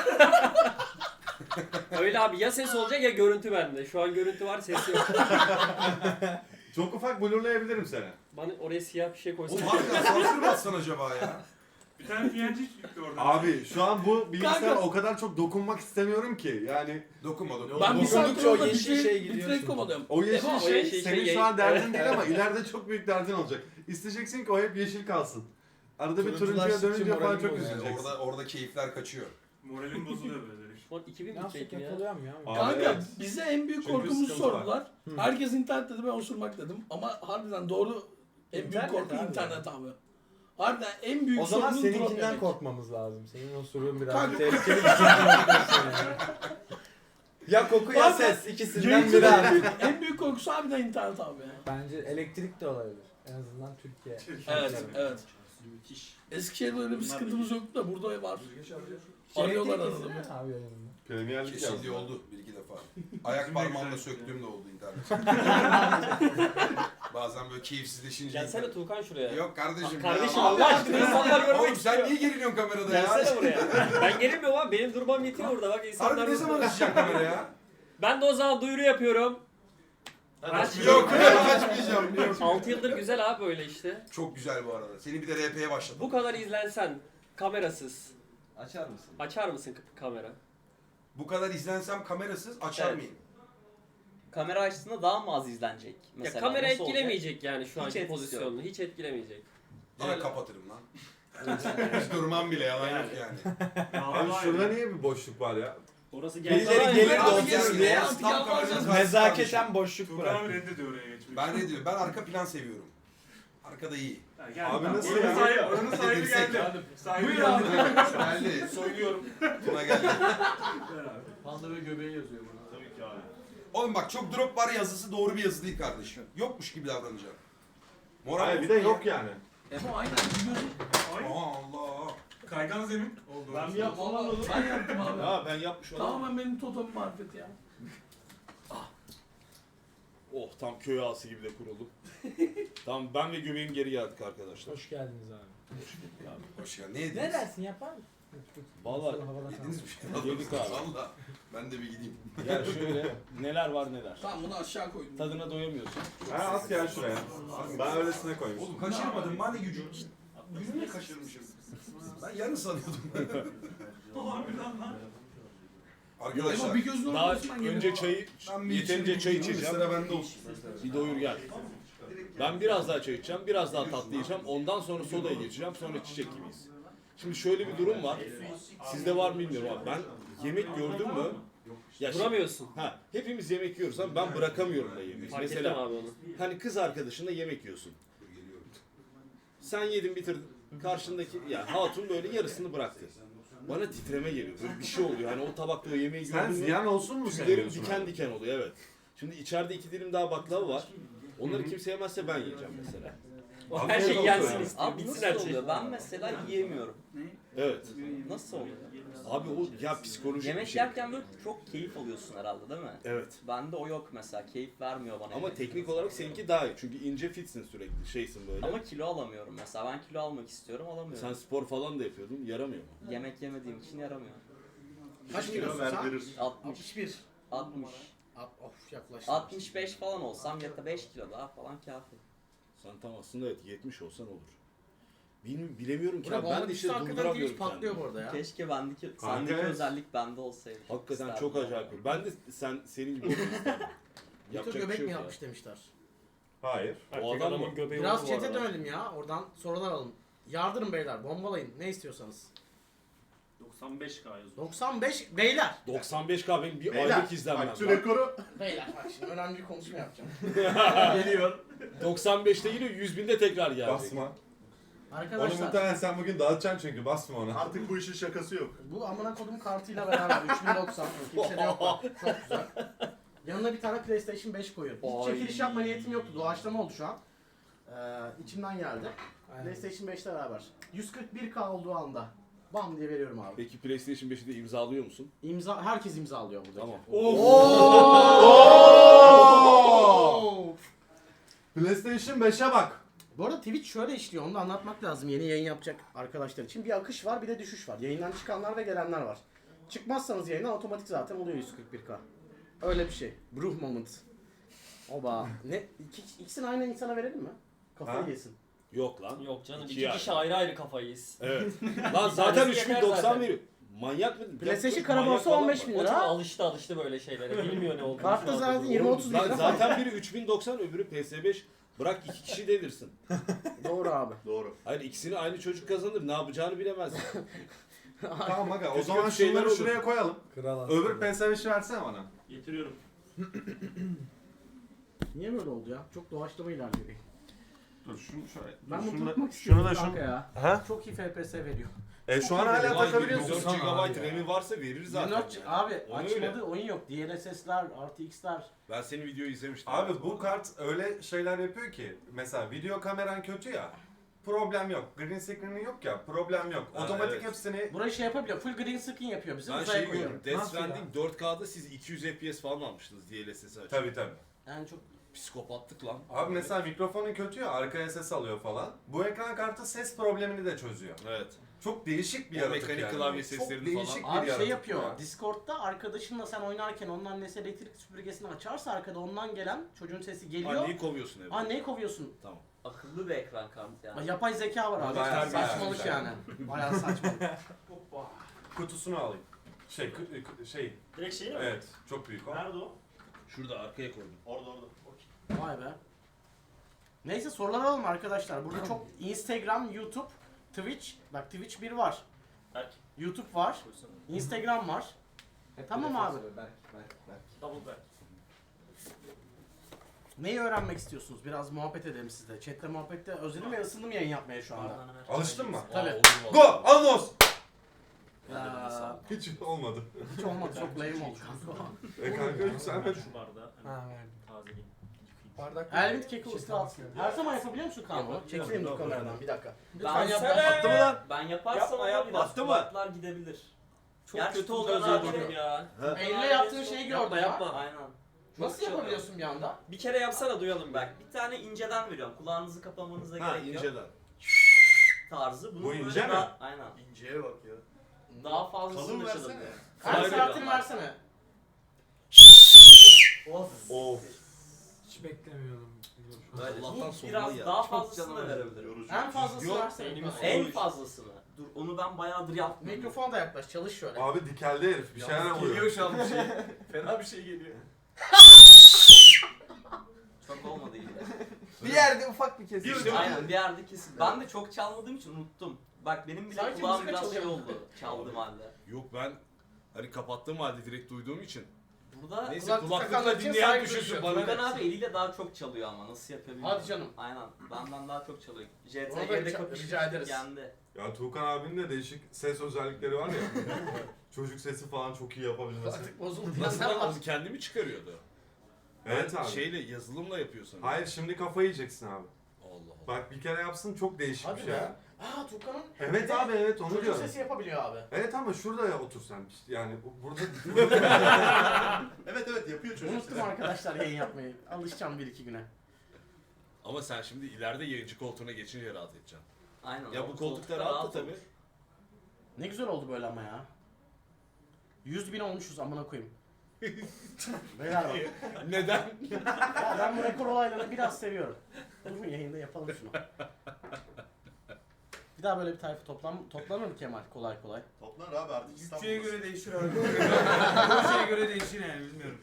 Speaker 9: Öyle abi ya ses olacak ya görüntü bende. Şu an görüntü var ses yok.
Speaker 10: Çok ufak blurlayabilirim seni.
Speaker 9: Bana oraya siyah bir şey koysan.
Speaker 3: Oğlum harbiden sansür mü atsan acaba ya?
Speaker 6: Bir tane P N G çıktı oradan.
Speaker 10: Abi şu an bu bilgisayara
Speaker 5: Kanka.
Speaker 10: o kadar çok dokunmak istemiyorum ki. Yani
Speaker 3: Dokunma dokunma.
Speaker 5: Ben bir saat
Speaker 4: Dokundukça o
Speaker 5: sonra
Speaker 4: yeşil
Speaker 5: bitrate-
Speaker 4: şey gidiyor
Speaker 5: bitrate
Speaker 4: şimdi.
Speaker 5: kovalıyorum.
Speaker 10: o yeşil
Speaker 9: Değil mi? O
Speaker 10: şey
Speaker 9: yeşil
Speaker 10: senin
Speaker 9: şey-
Speaker 10: şu an derdin
Speaker 9: Evet.
Speaker 10: değil ama ileride çok büyük derdin olacak. İsteyeceksin ki o hep yeşil kalsın. Arada bir turuncuya
Speaker 4: Turunculaştıkça
Speaker 10: dönünce falan
Speaker 4: moralim
Speaker 10: çok
Speaker 4: bozuyor.
Speaker 3: Yani
Speaker 10: üzüleceksin.
Speaker 3: orada, orada keyifler kaçıyor.
Speaker 6: Moralim bozuluyor böyle.
Speaker 9: Şu an iki bin
Speaker 4: Nasıl
Speaker 9: bitrate ya.
Speaker 4: yakalıyorum ya?
Speaker 10: Abi
Speaker 5: Kanka
Speaker 10: evet.
Speaker 5: bize en büyük
Speaker 10: Çünkü
Speaker 5: korkumuzu
Speaker 10: sıkıntı var.
Speaker 5: sordular.
Speaker 4: Hı.
Speaker 5: Herkes internet dedi ben osurmak dedim. Ama harbiden doğru en büyük
Speaker 4: İnternet
Speaker 5: korku
Speaker 4: abi.
Speaker 5: internet abi. Harbiden en büyük
Speaker 4: O zaman
Speaker 5: sorunun drop
Speaker 4: seninkinden
Speaker 5: yemek.
Speaker 4: korkmamız lazım. Senin o sorun biraz
Speaker 5: Kanka-
Speaker 4: tehlikeli bir şey. Yani. Ya koku ya
Speaker 5: Abi,
Speaker 4: ses ikisinden biri
Speaker 5: Yayıncının en
Speaker 4: abi.
Speaker 5: büyük, en büyük korkusu harbiden internet abi ya.
Speaker 4: Bence elektrik de olabilir. En azından Türkiye.
Speaker 5: Evet, evet. Eskişehir'de öyle bir sıkıntımız yoktu da burada var.
Speaker 4: Şey,
Speaker 5: Arıyorlar
Speaker 4: elektrik
Speaker 5: arada.
Speaker 4: kesildi mi abi yayınında?
Speaker 10: Premier Lig
Speaker 3: Kesildiği
Speaker 10: yazdı.
Speaker 3: oldu bir iki defa. Ayak parmağımla söktüğüm de oldu internet. Bazen böyle keyifsizleşince.
Speaker 9: Gelsene Tuğkan şuraya.
Speaker 3: Yok kardeşim.
Speaker 9: Kardeşim
Speaker 3: ya.
Speaker 9: Allah aşkına insanlar görmek
Speaker 3: Oğlum
Speaker 9: istiyor.
Speaker 3: sen niye geriliyorsun kamerada ya?
Speaker 9: Gelsene buraya. Ben gerilmiyorum abi. Benim durmam yetiyor burada. Bak insanlar...
Speaker 3: Harbi ne zaman açacak kamera ya?
Speaker 9: Ben de o zaman duyuru yapıyorum.
Speaker 3: Yok açmayacağım. Yok.
Speaker 9: altı yıldır güzel abi böyle işte.
Speaker 3: Çok güzel bu arada. Seni bir de R P'ye başladım.
Speaker 9: Bu kadar izlensen kamerasız
Speaker 4: Açar mısın?
Speaker 9: açar mısın k- kamera?
Speaker 3: Bu kadar izlensem kamerasız açar
Speaker 11: Evet.
Speaker 3: mıyım?
Speaker 11: Kamera açtığında daha mı az izlenecek? Mesela
Speaker 9: ya kamera
Speaker 11: nasıl olacak?
Speaker 9: etkilemeyecek yani şu
Speaker 11: Hiç
Speaker 9: anki
Speaker 11: etkisi
Speaker 9: pozisyonunu. Hiç etkilemeyecek.
Speaker 3: Direkt kapatırım lan. Hiç durmam bile yalan yok yani.
Speaker 10: Abi şurada niye bir boşluk var ya?
Speaker 7: Orası
Speaker 4: Birileri
Speaker 7: geldi.
Speaker 4: gelir de
Speaker 5: Abi
Speaker 4: oturur
Speaker 5: gelsin
Speaker 4: diye
Speaker 5: ya, artık
Speaker 3: Tam
Speaker 5: yalvaracağız.
Speaker 3: kameranın karşısında
Speaker 4: nezaketen boşluk
Speaker 6: Tuğkan
Speaker 4: bırak.
Speaker 6: abi reddediyor oraya geçmeyi.
Speaker 3: Ben ne diyorum? Ben arka plan seviyorum. Arkada iyi.
Speaker 7: Ha, geldi.
Speaker 10: Abi
Speaker 7: Tamam.
Speaker 10: nasıl
Speaker 7: Oranın
Speaker 10: ya?
Speaker 7: sahibi- Oranın sahibi
Speaker 3: Dedirsek
Speaker 7: geldi.
Speaker 3: ya.
Speaker 7: Sahibi
Speaker 5: Buyur
Speaker 7: geldi.
Speaker 5: abi.
Speaker 3: Geldi.
Speaker 7: Söylüyorum.
Speaker 3: Tuna geldi.
Speaker 7: Ver abi.
Speaker 5: Panda ve göbeği yazıyor bana.
Speaker 7: Tabii ki abi.
Speaker 3: Oğlum bak çok drop var yazısı doğru bir yazı değil kardeşim. Yokmuş gibi davranacağım. Moral
Speaker 10: Hayır bir de yok yani.
Speaker 5: Ama aynen biliyorsun.
Speaker 7: Ay.
Speaker 3: Aa, Allah.
Speaker 7: Kaygan zemin oldu.
Speaker 5: Ben mi yaptım oğlum? Ben yaptım abi.
Speaker 6: Ha ben yapmış olamam.
Speaker 5: Tamamen benim totem marifeti ya.
Speaker 12: Oh tam köy ağası gibi de kuruldum. Tamam ben ve göbeğim geri geldik arkadaşlar.
Speaker 4: Hoş geldiniz abi.
Speaker 3: Hoş geldin. Ne yediniz?
Speaker 4: Ne dersin yapar mısın?
Speaker 12: Vallahi
Speaker 3: Yediniz bir şey.
Speaker 12: Yedik abi.
Speaker 3: Valla. Ben de bir gideyim.
Speaker 12: ya şöyle neler var neler.
Speaker 5: Tamam bunu aşağı koydum.
Speaker 12: Tadına doyamıyorsun.
Speaker 10: Ha at gel şuraya. Ben öylesine koymuşum.
Speaker 3: Oğlum kaçırmadım. Ben de gücüm. Gücümle kaçırmışım. Ben yarın sanıyordum. Arkadaşlar.
Speaker 5: Ama bir gözün
Speaker 12: Daha
Speaker 5: ortasından geliyor.
Speaker 12: önce çayı
Speaker 3: Ben bir
Speaker 12: yeterince
Speaker 3: içeyim,
Speaker 12: çay
Speaker 3: bir
Speaker 12: içeceğim.
Speaker 3: Sıra bende olsun.
Speaker 12: Bir doyur gel. Ben biraz daha çay içeceğim, biraz daha tatlı yiyeceğim. Ondan sonra sodaya geçeceğim, sonra çiçek gibiyiz. Şimdi şöyle bir durum var. Sizde var mı bilmiyorum abi. Ben yemek gördüm mü? Ya şimdi-
Speaker 9: Duramıyorsun.
Speaker 12: Ha, hepimiz yemek yiyoruz ama ben bırakamıyorum da yemeği.
Speaker 9: Fark ettim
Speaker 12: Mesela
Speaker 9: abi onu.
Speaker 12: hani kız arkadaşınla yemek yiyorsun. Sen yedin bitirdin. Karşındaki ya hatun böyle yarısını bıraktı. Bana titreme geliyor. Böyle bir şey oluyor. Hani o tabakta o yemeği
Speaker 10: Sen
Speaker 12: gördün mü?
Speaker 10: ziyan olsun mu
Speaker 12: Tüylerim
Speaker 10: seviyorsun?
Speaker 12: diken diken oluyor evet. Şimdi içeride iki dilim daha baklava var. Onları kimse yemezse ben yiyeceğim mesela.
Speaker 9: O
Speaker 10: Abi
Speaker 9: her
Speaker 10: ne
Speaker 9: şey
Speaker 10: oldu
Speaker 9: yensin
Speaker 10: yani?
Speaker 9: istiyor.
Speaker 11: Abi
Speaker 9: Bitsin
Speaker 11: nasıl
Speaker 9: her şey.
Speaker 11: oluyor? Ben mesela yiyemiyorum.
Speaker 12: Evet.
Speaker 11: Nasıl oluyor?
Speaker 12: Abi o ya psikolojik bir
Speaker 11: Yemek
Speaker 12: şey.
Speaker 11: yerken böyle çok keyif alıyorsun herhalde değil mi?
Speaker 12: Evet.
Speaker 11: Bende o yok mesela. Keyif vermiyor bana.
Speaker 12: Ama
Speaker 11: yemek.
Speaker 12: teknik olarak seninki daha iyi. Çünkü ince fitsin sürekli şeysin böyle.
Speaker 11: Ama kilo alamıyorum mesela. Ben kilo almak istiyorum alamıyorum.
Speaker 12: Sen spor falan da yapıyordun. Yaramıyor mu?
Speaker 11: Yemek yemediğim için yaramıyor.
Speaker 1: Kaç kilosun sen?
Speaker 11: altmış.
Speaker 1: altmış bir.
Speaker 11: altmış.
Speaker 1: At- Of yaklaştı.
Speaker 11: altmış beş falan olsam ya da beş kilo daha falan kafi.
Speaker 12: Sen tam aslında evet yetmiş olsan olur. Bilmiyorum, bilemiyorum ki.
Speaker 1: Buna
Speaker 12: abi. Ben de işte
Speaker 1: hakikaten
Speaker 12: durduramıyorum
Speaker 1: Twitch patlıyor
Speaker 12: kendimi.
Speaker 1: bu arada ya.
Speaker 11: Keşke bendeki,
Speaker 10: Kanka
Speaker 11: sendeki
Speaker 10: evet.
Speaker 11: özellik bende olsaydı.
Speaker 12: Hakikaten
Speaker 11: İsterdim.
Speaker 12: çok acayip. Ben de sen senin gibi olmak isterdim.
Speaker 1: Mito
Speaker 12: Yapacak bir
Speaker 1: göbek
Speaker 12: şey
Speaker 1: mi
Speaker 12: yok ya.
Speaker 1: yapmış demişler.
Speaker 10: Hayır.
Speaker 12: O
Speaker 9: Erkek
Speaker 12: adam
Speaker 9: adamın
Speaker 12: mı?
Speaker 9: göbeği
Speaker 1: Biraz
Speaker 9: olur bu
Speaker 1: chat'e
Speaker 9: arada.
Speaker 1: dönelim ya. Oradan sorular alalım. Yardırın beyler. Bombalayın. Ne istiyorsanız.
Speaker 7: doksan beş K yazıyor.
Speaker 1: doksan beş beyler.
Speaker 12: doksan beş K benim bir
Speaker 8: Beyler,
Speaker 12: aylık izlenmem.
Speaker 8: bak şu
Speaker 12: var.
Speaker 8: rekoru
Speaker 1: Beyler bak şimdi önemli bir konuşma yapacağım.
Speaker 12: Geliyor. doksan beşte geliyor yüz binde tekrar geldi.
Speaker 10: Basma. Onu
Speaker 1: Arkadaşlar
Speaker 10: muhtemelen sen bugün dağıtacaksın çünkü basma ona.
Speaker 8: artık bu işin şakası yok.
Speaker 1: bu amına kodum kartıyla beraber üç bin doksan. Kimse de yok bak. Çok güzel. Yanına bir tane PlayStation beş koyuyorum. Hiç
Speaker 11: Ay.
Speaker 1: çekiliş yapma niyetim yoktu. Doğaçlama oldu şu an. Ee, içimden geldi.
Speaker 4: Aynen.
Speaker 1: PlayStation beşle beraber. yüz kırk bir K olduğu anda. Bam diye veriyorum abi.
Speaker 12: Peki PlayStation beşi de imzalıyor musun?
Speaker 1: İmza, herkes imzalıyor buradaki.
Speaker 12: Tamam.
Speaker 1: Oo!
Speaker 10: PlayStation beşe bak.
Speaker 1: Bu arada Twitch şöyle işliyor, onu da anlatmak lazım yeni yayın yapacak arkadaşlar için. Bir akış var, bir de düşüş var. Yayından çıkanlar ve gelenler var. Çıkmazsanız yayına otomatik zaten oluyor yüz kırk bir K. Öyle bir şey. Bruh moment. Oba. Ne? İki, ikisini aynı insana verelim mi? Kafayı
Speaker 10: Ha?
Speaker 1: yesin.
Speaker 12: Yok lan.
Speaker 9: Yok canım
Speaker 12: İki
Speaker 9: iki
Speaker 12: yani.
Speaker 9: kişi ayrı ayrı kafayı yiyiz.
Speaker 12: Evet. Lan zaten
Speaker 9: tanesi
Speaker 12: üç bin
Speaker 9: yeter
Speaker 12: doksan
Speaker 9: zaten.
Speaker 12: veriyor. Manyak mı?
Speaker 1: PlayStation
Speaker 12: Manyak
Speaker 1: karaborsa
Speaker 12: falan
Speaker 1: on beş
Speaker 12: var.
Speaker 1: bin
Speaker 9: O çok
Speaker 1: lira.
Speaker 9: alıştı alıştı böyle şeylere. Bilmiyor ne olduğunu.
Speaker 1: Kartta
Speaker 9: şu an.
Speaker 1: zaten yirmi otuz bin
Speaker 12: Lan
Speaker 1: lira.
Speaker 12: zaten biri üç bin doksan öbürü P S beş. Bırak iki kişi delirsin.
Speaker 1: Doğru abi.
Speaker 8: Doğru.
Speaker 12: Hayır ikisini aynı çocuk kazanır. Ne yapacağını bilemez.
Speaker 10: Tamam aga o
Speaker 12: Kötü
Speaker 10: zaman
Speaker 12: kötü şeyler
Speaker 10: şunları
Speaker 12: olur.
Speaker 10: şuraya koyalım.
Speaker 4: Kral
Speaker 10: Öbür
Speaker 4: aslında.
Speaker 10: P S beşi versene bana.
Speaker 7: Getiriyorum.
Speaker 1: Niye böyle oldu ya? Çok doğaçlama ilerliyor.
Speaker 10: Dur şunu şöyle.
Speaker 1: Ben
Speaker 10: dur,
Speaker 1: bunu
Speaker 10: şunu da-
Speaker 1: tutmak
Speaker 10: şunu
Speaker 1: istiyorum
Speaker 10: da
Speaker 1: kanka
Speaker 10: şunu.
Speaker 1: ya.
Speaker 10: Ha?
Speaker 1: Çok iyi F P S veriyor.
Speaker 10: E şu an
Speaker 1: Çok iyi
Speaker 10: hala
Speaker 1: veriyor.
Speaker 10: takabiliyorsun.
Speaker 12: dört gigabayt RAM'i varsa verir zaten.
Speaker 1: Minot
Speaker 12: yani.
Speaker 1: abi
Speaker 12: Onu
Speaker 1: açmadı
Speaker 12: öyle.
Speaker 1: oyun yok. D L S S'ler, R T X'ler.
Speaker 12: Ben senin videoyu izlemiştim.
Speaker 10: Abi bu kart öyle şeyler yapıyor ki mesela video kameran kötü ya, problem yok. Green screen'in yok ya, problem yok.
Speaker 12: Ha,
Speaker 10: Otomatik
Speaker 12: evet.
Speaker 10: hepsini
Speaker 1: Burayı şey yapabiliyor. Full green screen yapıyor bizi.
Speaker 12: Ben
Speaker 1: Uzaya
Speaker 12: şeyi
Speaker 1: koyuyor.
Speaker 12: gördüm. Death
Speaker 4: Nasıl ya?
Speaker 12: Stranding dört K'da siz iki yüz F P S falan almıştınız D L S S'i açıp.
Speaker 10: tabii tabii.
Speaker 1: Yani çok
Speaker 12: Psikopatlık lan.
Speaker 10: Abi mesela mikrofonun kötü ya, arkaya ses alıyor falan. Bu ekran kartı ses problemini de çözüyor.
Speaker 12: Evet.
Speaker 10: Çok değişik bir
Speaker 12: O
Speaker 10: yaratık
Speaker 12: mekanik
Speaker 10: yani.
Speaker 12: klavye
Speaker 10: Çok
Speaker 12: seslerini
Speaker 10: değişik
Speaker 12: falan.
Speaker 10: bir
Speaker 1: abi
Speaker 10: yaratık
Speaker 1: şey yapıyor.
Speaker 10: ya.
Speaker 1: Discord'da arkadaşınla sen oynarken onun annesi elektrik süpürgesini açarsa arkada ondan gelen çocuğun sesi geliyor.
Speaker 12: Anneyi kovuyorsun evde.
Speaker 1: Anneyi kovuyorsun.
Speaker 12: Tamam.
Speaker 11: Akıllı bir ekran kartı yani.
Speaker 1: Yapay zeka var abi.
Speaker 10: Bayağı-
Speaker 1: Saçmalık
Speaker 10: bayağı
Speaker 1: yani. Bayağı saçmalık.
Speaker 10: Kutusunu alayım. Şey, kı- kı- şey,
Speaker 7: Direkt şeyi mi?
Speaker 10: evet çok büyük o.
Speaker 7: Nerede o?
Speaker 12: Şurada arkaya koydum.
Speaker 7: Orada orada. Okey.
Speaker 1: Vay be. Neyse sorular alalım arkadaşlar. Burada çok Instagram, YouTube, Twitch. Bak Twitch bir var.
Speaker 7: Berk.
Speaker 1: YouTube var.
Speaker 7: Koysana.
Speaker 1: Instagram var.
Speaker 4: Hep
Speaker 1: Tamam
Speaker 4: telefon
Speaker 1: abi.
Speaker 4: söylüyor, Berk, Berk, Berk.
Speaker 7: Double Berk.
Speaker 1: Neyi öğrenmek istiyorsunuz? Biraz muhabbet edelim sizle. Chat'te muhabbette özledim ve ısındım yayın yapmaya şu anda.
Speaker 10: Alıştın mı?
Speaker 1: Tabii.
Speaker 12: Aa, olur
Speaker 10: Go!
Speaker 12: vallahi.
Speaker 10: Alnos!
Speaker 1: Ya,
Speaker 10: Hiç olmadı.
Speaker 1: hiç olmadı. Çok lame oldu kanka.
Speaker 10: E kanka yükselmedi.
Speaker 7: Şu bardağı
Speaker 4: Ha
Speaker 7: hemen
Speaker 4: verdim.
Speaker 7: tazeleyeyim.
Speaker 4: Bardak.
Speaker 1: Elvin keki usta atsın. Her zaman yapabiliyor musun Kaan? Çekileyim dur kameradan bir dakika. Lütfen
Speaker 11: Ben
Speaker 1: yap.
Speaker 11: Attı
Speaker 1: mı lan?
Speaker 11: Ben yaparsam
Speaker 9: Yapma,
Speaker 11: ama
Speaker 9: yapma.
Speaker 11: biraz
Speaker 9: Attı mı?
Speaker 11: kulaklar gidebilir.
Speaker 9: Çok
Speaker 11: Gerçi
Speaker 9: kötü
Speaker 11: Tolga
Speaker 9: oldu
Speaker 11: abi
Speaker 9: özledim ya.
Speaker 1: Elle yaptığın şeyi gördü
Speaker 9: Yapma
Speaker 1: ya.
Speaker 9: yapma.
Speaker 11: Aynen.
Speaker 1: Nasıl yapabiliyorsun bir anda?
Speaker 9: Bir kere yapsana duyalım
Speaker 11: Bak bir tane inceden veriyorum. Kulağınızı kapamanıza
Speaker 12: Ha
Speaker 11: gerek yok.
Speaker 12: inceden.
Speaker 11: Tarzı. Bunu
Speaker 10: Bu
Speaker 11: böyle
Speaker 10: ince mi?
Speaker 11: daha- Aynen.
Speaker 7: İnceye bak ya.
Speaker 11: Daha fazlasını
Speaker 7: Kalın
Speaker 11: da
Speaker 7: versene.
Speaker 11: çalabiliyor.
Speaker 1: Kaç
Speaker 11: Hayır,
Speaker 1: saatini
Speaker 11: ya.
Speaker 1: versene.
Speaker 10: Of.
Speaker 4: Hiç beklemiyordum.
Speaker 12: Allah'tan
Speaker 11: Bu
Speaker 12: sonunda
Speaker 11: biraz
Speaker 12: ya.
Speaker 11: daha
Speaker 4: Çok
Speaker 11: fazlasını
Speaker 4: canım
Speaker 11: da verebilirim.
Speaker 1: En fazlasını
Speaker 11: Yok,
Speaker 1: versene.
Speaker 11: En fazlasını. Dur onu ben bayağıdır yaptım.
Speaker 1: Mikrofona da yaklaş. Çalış şöyle.
Speaker 10: Abi dikeldi herif bir şeyler oluyor.
Speaker 7: Geliyor şu an bir şey. Fena bir şey geliyor.
Speaker 11: Çok olmadı gibi.
Speaker 4: Bir yerde ufak bir kesim.
Speaker 12: İşte bu.
Speaker 11: Aynen bir yerde kesin. Ben de çok çalmadığım için unuttum. Bak benim bile
Speaker 1: Sanki
Speaker 11: kulağım
Speaker 1: müzik
Speaker 11: biraz şey
Speaker 1: çalıyor.
Speaker 11: oldu çaldığım halde.
Speaker 12: Yok ben hani kapattığım halde direkt duyduğum için.
Speaker 11: Burada
Speaker 12: Neyse
Speaker 1: kulaklık
Speaker 12: kulaklıkla
Speaker 1: takanlar için
Speaker 12: dinleyen
Speaker 1: saygı
Speaker 12: düşünsün
Speaker 1: duyuyorum.
Speaker 12: bana
Speaker 11: Furkan
Speaker 12: ne.
Speaker 11: abi eliyle daha çok çalıyor ama nasıl yapıyor bilmiyorum.
Speaker 1: Hadi canım.
Speaker 11: Aynen benden daha çok çalıyor. J
Speaker 1: Ona da
Speaker 11: T G'de
Speaker 1: rica-
Speaker 11: kapıştık
Speaker 1: rica ederiz.
Speaker 11: yendi.
Speaker 10: Ya Tuğkan abinin de değişik ses özellikleri var ya. Çocuk sesi falan çok iyi yapabilmesi.
Speaker 1: Artık bozuldu.
Speaker 12: Nasıl
Speaker 1: Ne
Speaker 12: lan
Speaker 1: var?
Speaker 12: onu kendi mi çıkarıyordu?
Speaker 10: Evet abi.
Speaker 12: Şeyle yazılımla yapıyor sanırım.
Speaker 10: Hayır şimdi kafayı yiyeceksin abi.
Speaker 12: Allah Allah.
Speaker 10: Bak bir kere yapsın çok değişik
Speaker 1: Hadi
Speaker 10: bir şey.
Speaker 1: be. Aa Tukan'ın
Speaker 10: Evet abi evet onu
Speaker 1: çocuk
Speaker 10: diyorum.
Speaker 1: sesi yapabiliyor abi.
Speaker 10: Evet ama şurada ya otur sen. Yani bu- burada
Speaker 8: Evet evet yapıyor çocuk.
Speaker 1: Unuttum arkadaşlar yayın yapmayı. Alışacağım bir iki güne.
Speaker 12: Ama sen şimdi ileride yayıncı koltuğuna geçince rahat edeceksin.
Speaker 11: Aynen.
Speaker 12: Ya
Speaker 11: o
Speaker 12: bu koltukta rahat da tabii.
Speaker 11: olur.
Speaker 1: Ne güzel oldu böyle ama ya. yüz bin olmuşuz amına koyayım. Beyler bak.
Speaker 12: Neden?
Speaker 1: Ya ben bu rekor olaylarını biraz seviyorum. Durun yayında yapalım şunu. Bir daha böyle bir tayfa toplan toplanır mı Kemal kolay kolay?
Speaker 8: Toplanır abi artık
Speaker 2: Bütçeye
Speaker 8: İstanbul'da.
Speaker 2: göre değişir abi. Bütçeye göre değişir yani bilmiyorum.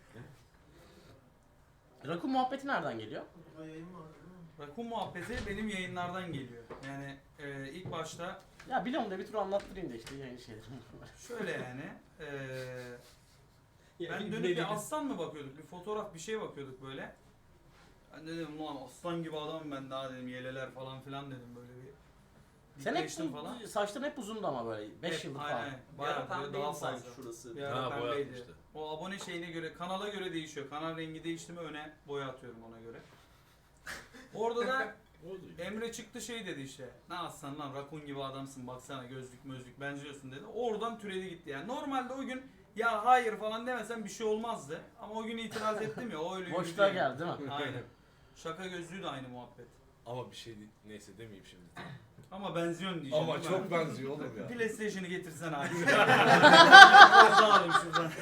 Speaker 1: Rakun muhabbeti nereden geliyor?
Speaker 2: Rakun muhabbeti benim yayınlardan geliyor. Yani e, ilk başta
Speaker 1: Ya biliyorum da bir tur anlattırayım da işte yayın şeyleri.
Speaker 2: şöyle yani. E,
Speaker 9: Ya,
Speaker 2: ben
Speaker 9: bir
Speaker 2: dönüp
Speaker 9: güne
Speaker 2: bir aslan mı bakıyorduk? Bir fotoğraf bir şey bakıyorduk böyle. Ben de dedim ulan aslan gibi adamım ben daha dedim yeleler falan filan dedim böyle bir.
Speaker 1: Sen hep
Speaker 2: dikleştim falan.
Speaker 1: bu, saçların hep uzundu ama böyle beş
Speaker 2: Hep,
Speaker 1: yıldır
Speaker 2: aynen,
Speaker 1: falan.
Speaker 2: aynen.
Speaker 11: Bir ara
Speaker 2: Bayağı böyle
Speaker 11: pembeydi
Speaker 2: daha
Speaker 11: sanki
Speaker 2: fazla.
Speaker 11: şurası.
Speaker 2: Bir ara
Speaker 12: Ha
Speaker 2: pembeydi.
Speaker 12: boyatmıştı.
Speaker 2: O abone şeyine göre, kanala göre değişiyor. Kanal rengi değişti mi öne boya atıyorum ona göre. Orada da Emre çıktı şey dedi işte. Ne aslan lan rakun gibi adamsın baksana gözlük mözlük benziyorsun dedi. Oradan türedi gitti yani. Normalde o gün ya hayır falan demesem bir şey olmazdı. Ama o gün itiraz ettim ya o öyle yürüdü
Speaker 1: Boşluğa
Speaker 2: yani.
Speaker 1: geldi değil mi?
Speaker 2: Aynen. Şaka gözlüğü de aynı muhabbet.
Speaker 12: Ama bir şey değil. Neyse demeyeyim şimdi.
Speaker 2: Ama benziyorsun diyeceğim.
Speaker 12: Ama
Speaker 2: değil mi?
Speaker 12: çok benziyor oğlum ya.
Speaker 2: PlayStation'ı getirsen abi. Biraz daha alayım şuradan.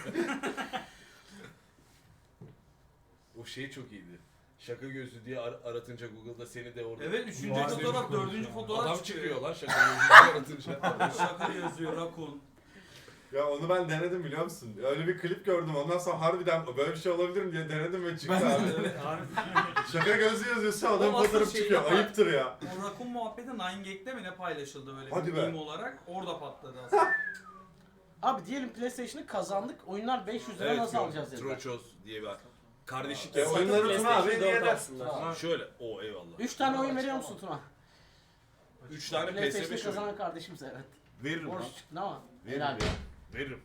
Speaker 12: O şey çok iyiydi. Şaka gözlü diye ar- aratınca Google'da seni de orada...
Speaker 2: Evet üçüncü
Speaker 12: Vay,
Speaker 2: fotoğraf,
Speaker 12: ne
Speaker 2: dördüncü fotoğraf
Speaker 12: Adam
Speaker 2: çıkıyor.
Speaker 12: çıkıyor lan şaka gözlü diye aratınca.
Speaker 2: Şaka yazıyor rakun.
Speaker 10: ya onu ben denedim biliyor musun? Öyle bir klip gördüm ondan sonra harbiden böyle bir şey olabilir mi diye denedim ve çıktı abi.
Speaker 2: Evet, harbi.
Speaker 10: Şaka gözü yazıyorsa adam
Speaker 2: O asıl
Speaker 10: fotoğraf
Speaker 2: şey
Speaker 10: çıkıyor.
Speaker 2: yapar.
Speaker 10: Ayıptır ya.
Speaker 2: O rakun muhabbeti nine gag'de mi ne paylaşıldı böyle
Speaker 10: Hadi
Speaker 2: bir
Speaker 10: be.
Speaker 2: meme olarak orada patladı aslında.
Speaker 1: Abi diyelim PlayStation'ı kazandık. Oyunlar beş yüz lira
Speaker 12: Evet,
Speaker 1: nasıl
Speaker 12: yok.
Speaker 1: alacağız dediler.
Speaker 12: Troçoz diye bir kardeşlik
Speaker 10: E,
Speaker 12: yapmak.
Speaker 10: oyunları Tuna abi
Speaker 9: PlayStation
Speaker 10: hediye
Speaker 9: dört
Speaker 10: eder.
Speaker 9: alsınlar.
Speaker 12: Şöyle, o eyvallah.
Speaker 1: Üç tane oyun veriyor musun Tuna?
Speaker 12: üç tane P S
Speaker 1: PlayStation'ı
Speaker 12: beş oyunu.
Speaker 1: kazanan kardeşimize evet.
Speaker 12: Veririm lan.
Speaker 1: Borç çıktı ama.
Speaker 12: Veririm.
Speaker 1: Helal.
Speaker 12: Veririm.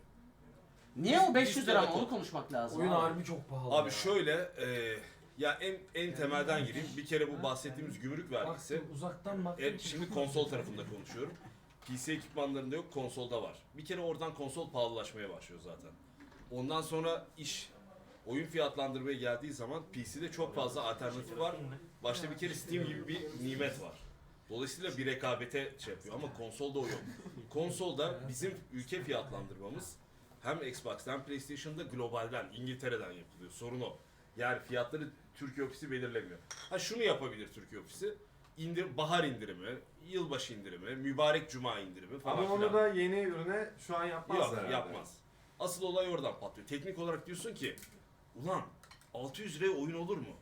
Speaker 1: Niye o beş yüz lira
Speaker 12: Biz-
Speaker 1: ama onu konuşmak lazım.
Speaker 4: Oyun
Speaker 1: abi.
Speaker 4: harbi çok pahalı.
Speaker 12: Abi
Speaker 4: ya.
Speaker 12: şöyle, e, ya en en temelden gireyim. Bir kere bu bahsettiğimiz gümrük vergisi.
Speaker 4: Baktım, uzaktan baktım.
Speaker 12: E, şimdi konsol tarafında konuşuyorum. P C ekipmanlarında yok, konsolda var. Bir kere oradan konsol pahalılaşmaya başlıyor zaten. Ondan sonra iş oyun fiyatlandırmaya geldiği zaman P C'de çok fazla alternatif var. Başta bir kere Steam gibi bir nimet var. Dolayısıyla bir rekabete şey yapıyor ama konsolda o yok. Konsolda bizim ülke fiyatlandırmamız hem Xbox'tan hem PlayStation'da globalden, İngiltere'den yapılıyor. Sorun o. Yani fiyatları Türkiye ofisi belirlemiyor. Ha şunu yapabilir Türkiye ofisi. İndir, bahar indirimi, yılbaşı indirimi, mübarek cuma indirimi falan
Speaker 10: Ama onu
Speaker 12: filan.
Speaker 10: da yeni ürüne şu an yapmaz
Speaker 12: Yok,
Speaker 10: herhalde.
Speaker 12: yapmaz. Asıl olay oradan patlıyor. Teknik olarak diyorsun ki ulan altı yüz liraya oyun olur mu?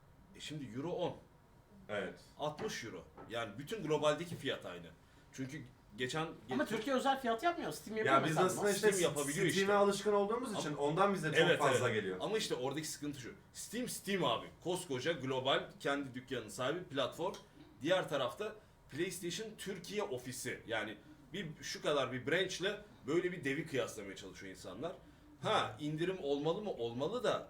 Speaker 12: E şimdi euro on.
Speaker 10: Evet.
Speaker 12: altmış euro. Yani bütün globaldeki fiyat aynı. Çünkü geçen...
Speaker 1: Ama Türkiye özel fiyat yapmıyor. Steam yapıyor
Speaker 10: Ya biz
Speaker 1: mesela.
Speaker 10: aslında işte
Speaker 12: Steam yapabiliyor işte.
Speaker 10: Steam'e alışkın olduğumuz için ondan bize çok
Speaker 12: Evet,
Speaker 10: fazla
Speaker 12: evet.
Speaker 10: geliyor.
Speaker 12: Ama işte oradaki sıkıntı şu. Steam, Steam abi. Koskoca global kendi dükkanının sahibi platform. Diğer tarafta PlayStation Türkiye ofisi. Yani bir şu kadar bir branch'le böyle bir devi kıyaslamaya çalışıyor insanlar. Ha indirim olmalı mı? Olmalı da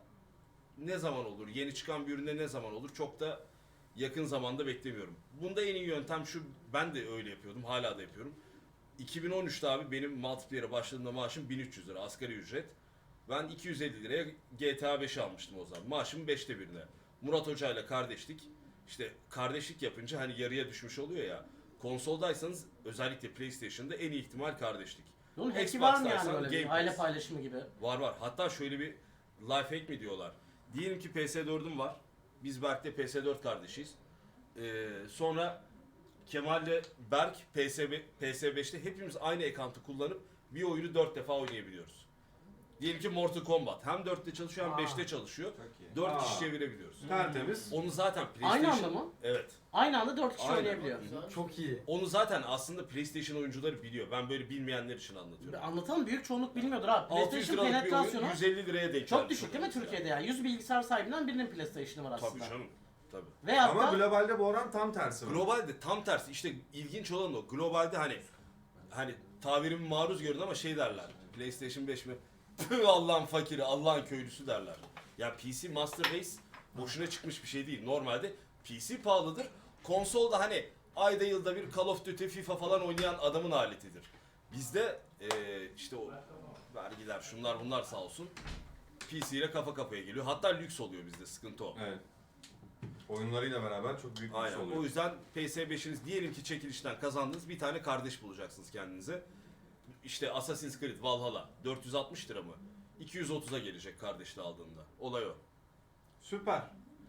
Speaker 12: ne zaman olur? Yeni çıkan bir üründe ne zaman olur? Çok da yakın zamanda beklemiyorum. Bunda en iyi yöntem şu. Ben de öyle yapıyordum. Hala da yapıyorum. iki bin on üçte abi benim multiplayer'e başladığımda maaşım bin üç yüz lira asgari ücret. Ben iki yüz elli liraya G T A beş almıştım o zaman. Maaşımın beşte birine. Murat Hoca ile kardeşlik. İşte kardeşlik yapınca hani yarıya düşmüş oluyor ya. Konsoldaysanız özellikle PlayStation'da en iyi ihtimal kardeşlik.
Speaker 1: Bunun hack'i
Speaker 12: Xbox
Speaker 1: var mı yani
Speaker 12: dersen
Speaker 1: böyle bir
Speaker 12: Game
Speaker 1: aile
Speaker 12: Pass.
Speaker 1: paylaşımı gibi?
Speaker 12: Var var. Hatta şöyle bir life hack mi diyorlar. Diyelim ki P S dördüm var. Biz Berk'te P S dört kardeşiyiz. Ee, sonra Kemal'le Berk P S be- P S beşte hepimiz aynı account'u kullanıp bir oyunu dört defa oynayabiliyoruz. Diyelim ki Mortal Kombat hem dörtte çalışıyor hem
Speaker 1: Aa.
Speaker 12: beşte çalışıyor.
Speaker 10: Çok iyi.
Speaker 12: dört
Speaker 10: Aa.
Speaker 12: kişi çevirebiliyoruz.
Speaker 10: Tertemiz.
Speaker 12: Onu zaten PlayStation...
Speaker 1: Aynı anda mı?
Speaker 12: Evet.
Speaker 1: Aynı anda dört kişi
Speaker 12: Aynen.
Speaker 1: oynayabiliyor.
Speaker 4: Çok iyi.
Speaker 12: Onu zaten aslında PlayStation oyuncuları biliyor. Ben böyle bilmeyenler için anlatıyorum.
Speaker 1: Anlatalım, büyük çoğunluk bilmiyordur abi.
Speaker 12: altı yüz
Speaker 1: PlayStation
Speaker 12: liralık bir oyun
Speaker 1: penetrasyonu
Speaker 12: yüz elli liraya denk
Speaker 1: çok
Speaker 12: gelmiş
Speaker 1: düşük değil mi
Speaker 12: oluyor.
Speaker 1: Türkiye'de yani? yüz bilgisayar sahibinden birinin PlayStation'ı var aslında.
Speaker 12: Tabii canım. Tabii.
Speaker 1: Ve
Speaker 10: Ama
Speaker 1: hatta
Speaker 10: globalde bu oran tam tersi var.
Speaker 12: Globalde tam tersi. İşte ilginç olan o. Globalde hani hani tabirimi maruz görün ama şey derler. PlayStation beş mi? Püh, Allah'ın fakiri, Allah'ın köylüsü derler. Ya P C Master Race boşuna çıkmış bir şey değil. Normalde P C pahalıdır. Konsolda hani ayda yılda bir Call of Duty, FIFA falan oynayan adamın aletidir. Bizde eee, işte o vergiler, şunlar bunlar sağ olsun. P C ile kafa kafaya geliyor. Hatta lüks oluyor bizde. Sıkıntı o.
Speaker 10: Evet. Oyunlarıyla beraber çok büyük bir
Speaker 12: Aynen.
Speaker 10: şey oluyor.
Speaker 12: O yüzden P S beşiniz diyelim ki çekilişten kazandınız. Bir tane kardeş bulacaksınız kendinize. İşte Assassin's Creed Valhalla dört yüz altmış lira mı? iki yüz otuza gelecek kardeşle aldığında. Olay o.
Speaker 10: Süper.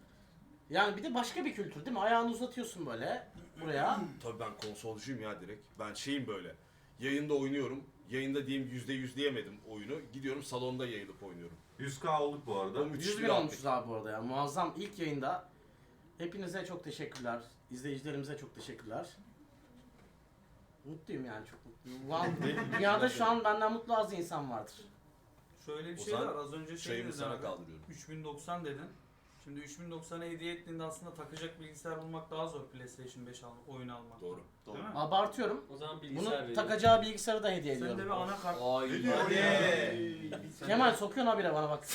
Speaker 1: yani bir de başka bir kültür değil mi? Ayağını uzatıyorsun böyle buraya.
Speaker 12: Tabii ben konsolcuyum ya direkt. Ben şeyim böyle. Yayında oynuyorum. Yayında diyeyim yüzde yüz diyemedim oyunu. Gidiyorum salonda yayılıp oynuyorum.
Speaker 10: yüz K olduk bu arada.
Speaker 12: O müthiş
Speaker 1: yüz
Speaker 12: bir
Speaker 1: bin
Speaker 12: rahatlık.
Speaker 1: olmuşuz abi bu arada ya. Muazzam ilk yayında. Hepinize çok teşekkürler. İzleyicilerimize çok teşekkürler. Mutluyum yani, çok mutluyum. Wow. Dünyada şu an benden mutlu az insan vardır.
Speaker 2: Şöyle bir
Speaker 12: O
Speaker 2: şey
Speaker 12: zaman
Speaker 2: var. Az önce şey
Speaker 12: Çayımı
Speaker 2: dedin
Speaker 12: sana
Speaker 2: abi.
Speaker 12: kaldırıyorum.
Speaker 2: üç bin doksan dedin. Şimdi üç bin doksana hediye ettiğinde aslında takacak bilgisayar bulmak daha zor PlayStation beş al, oyun almak.
Speaker 12: Doğru.
Speaker 2: Değil mi?
Speaker 1: Abartıyorum.
Speaker 9: O zaman
Speaker 1: Bunu
Speaker 9: bilgisayar veriyorum.
Speaker 1: takacağı bilgisayarı da hediye
Speaker 2: Sen de bir
Speaker 1: ediyorum.
Speaker 2: anakart.
Speaker 9: Ay.
Speaker 1: Kemal sokuyorsun habire bana bak.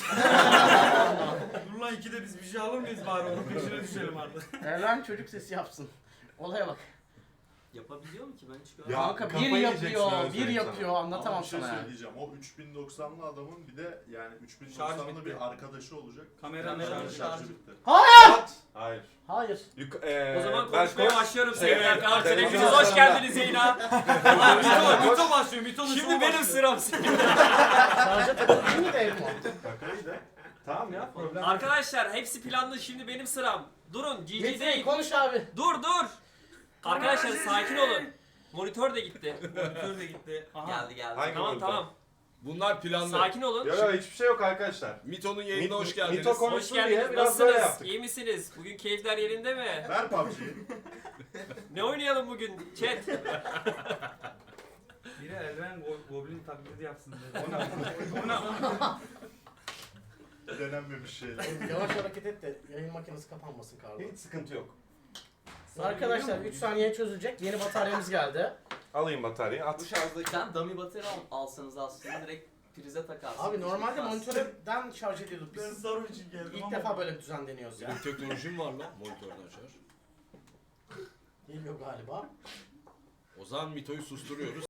Speaker 2: Dur lan ikide biz bir şey alır mıyız bari onun peşine düşelim artık.
Speaker 1: Erlen çocuk sesi yapsın. Olaya bak.
Speaker 9: Yapabiliyor mu ki ben hiç
Speaker 10: Ya,
Speaker 9: görmedim.
Speaker 1: Kanka bir
Speaker 10: kafayı yiyeceksin
Speaker 1: yapıyor,
Speaker 10: öyle
Speaker 1: bir
Speaker 10: söyleyeyim sana.
Speaker 1: yapıyor
Speaker 8: Ama
Speaker 1: anlatamam
Speaker 8: bir şey
Speaker 1: sana yani.
Speaker 8: söyleyeceğim. O üç bin doksanlı adamın bir de yani üç bin
Speaker 2: Şarj
Speaker 8: doksanlı
Speaker 2: bitti.
Speaker 8: bir arkadaşı olacak.
Speaker 2: Kameranın
Speaker 8: Kameranın
Speaker 2: şarjı.
Speaker 8: şarjı bitti.
Speaker 10: Hayır.
Speaker 1: Hayır.
Speaker 10: Yuk eee
Speaker 9: O zaman
Speaker 10: ben
Speaker 9: konuşmaya
Speaker 10: koş-
Speaker 9: başlıyorum sevgili
Speaker 10: Evet,
Speaker 9: arkadaşlar.
Speaker 10: televizyon
Speaker 9: Hepiniz hoş
Speaker 10: salonunda-
Speaker 9: geldiniz yayına.
Speaker 2: Mito, Mito başlıyor. Mito'nun
Speaker 9: Şimdi
Speaker 2: şovu
Speaker 9: benim
Speaker 2: başlıyor.
Speaker 9: sıram.
Speaker 1: Şarja takılı değil miydi Elmo?
Speaker 10: Takayı da. Tamam ya problem. yok.
Speaker 9: Arkadaşlar hepsi planlı, şimdi benim sıram. Durun, G G
Speaker 1: Metin
Speaker 9: değil.
Speaker 1: konuş abi.
Speaker 9: Dur dur. Arkadaşlar sakin olun. Monitör de gitti.
Speaker 2: Monitör de gitti. Aha.
Speaker 11: Geldi geldi.
Speaker 10: Hangi
Speaker 9: Tamam
Speaker 10: monitör?
Speaker 9: tamam.
Speaker 12: Bunlar planlı.
Speaker 9: Sakin olun.
Speaker 10: Yok yok hiçbir şey yok arkadaşlar.
Speaker 12: Mito'nun yayınına
Speaker 10: Mit-
Speaker 12: hoş geldiniz.
Speaker 10: Mito konuş-
Speaker 9: Hoş
Speaker 10: konuşsun diye
Speaker 9: geldiniz.
Speaker 10: biraz böyle
Speaker 9: Nasılsınız?
Speaker 10: yaptık.
Speaker 9: İyi misiniz? Bugün keyifler yerinde mi?
Speaker 8: Ver P U B G'yi.
Speaker 9: Ne oynayalım bugün? Chat.
Speaker 2: Biri Elven Go- Goblin taklidi yapsın dedi. O ne? O ne?
Speaker 8: denenmemiş şeyler.
Speaker 1: Yavaş hareket et de yayın makinesi kapanmasın Kardo.
Speaker 10: Hiç sıkıntı yok.
Speaker 1: Arkadaşlar üç saniye çözülecek. Yeni bataryamız geldi.
Speaker 10: Alayım bataryayı at.
Speaker 11: Bu şarjdaki sen dummy batarya al- alsanız aslında direkt prize takarsın.
Speaker 1: Abi normalde
Speaker 11: Hiç
Speaker 1: monitörden şarj ediyorduk
Speaker 7: Ben
Speaker 1: biz.
Speaker 7: sarı için geldim
Speaker 1: İlk
Speaker 7: ama.
Speaker 1: defa böyle bir düzen deniyoruz ya.
Speaker 12: Benim teknolojim var lan monitörden şarj.
Speaker 1: Geliyor galiba.
Speaker 12: O zaman Mito'yu susturuyoruz.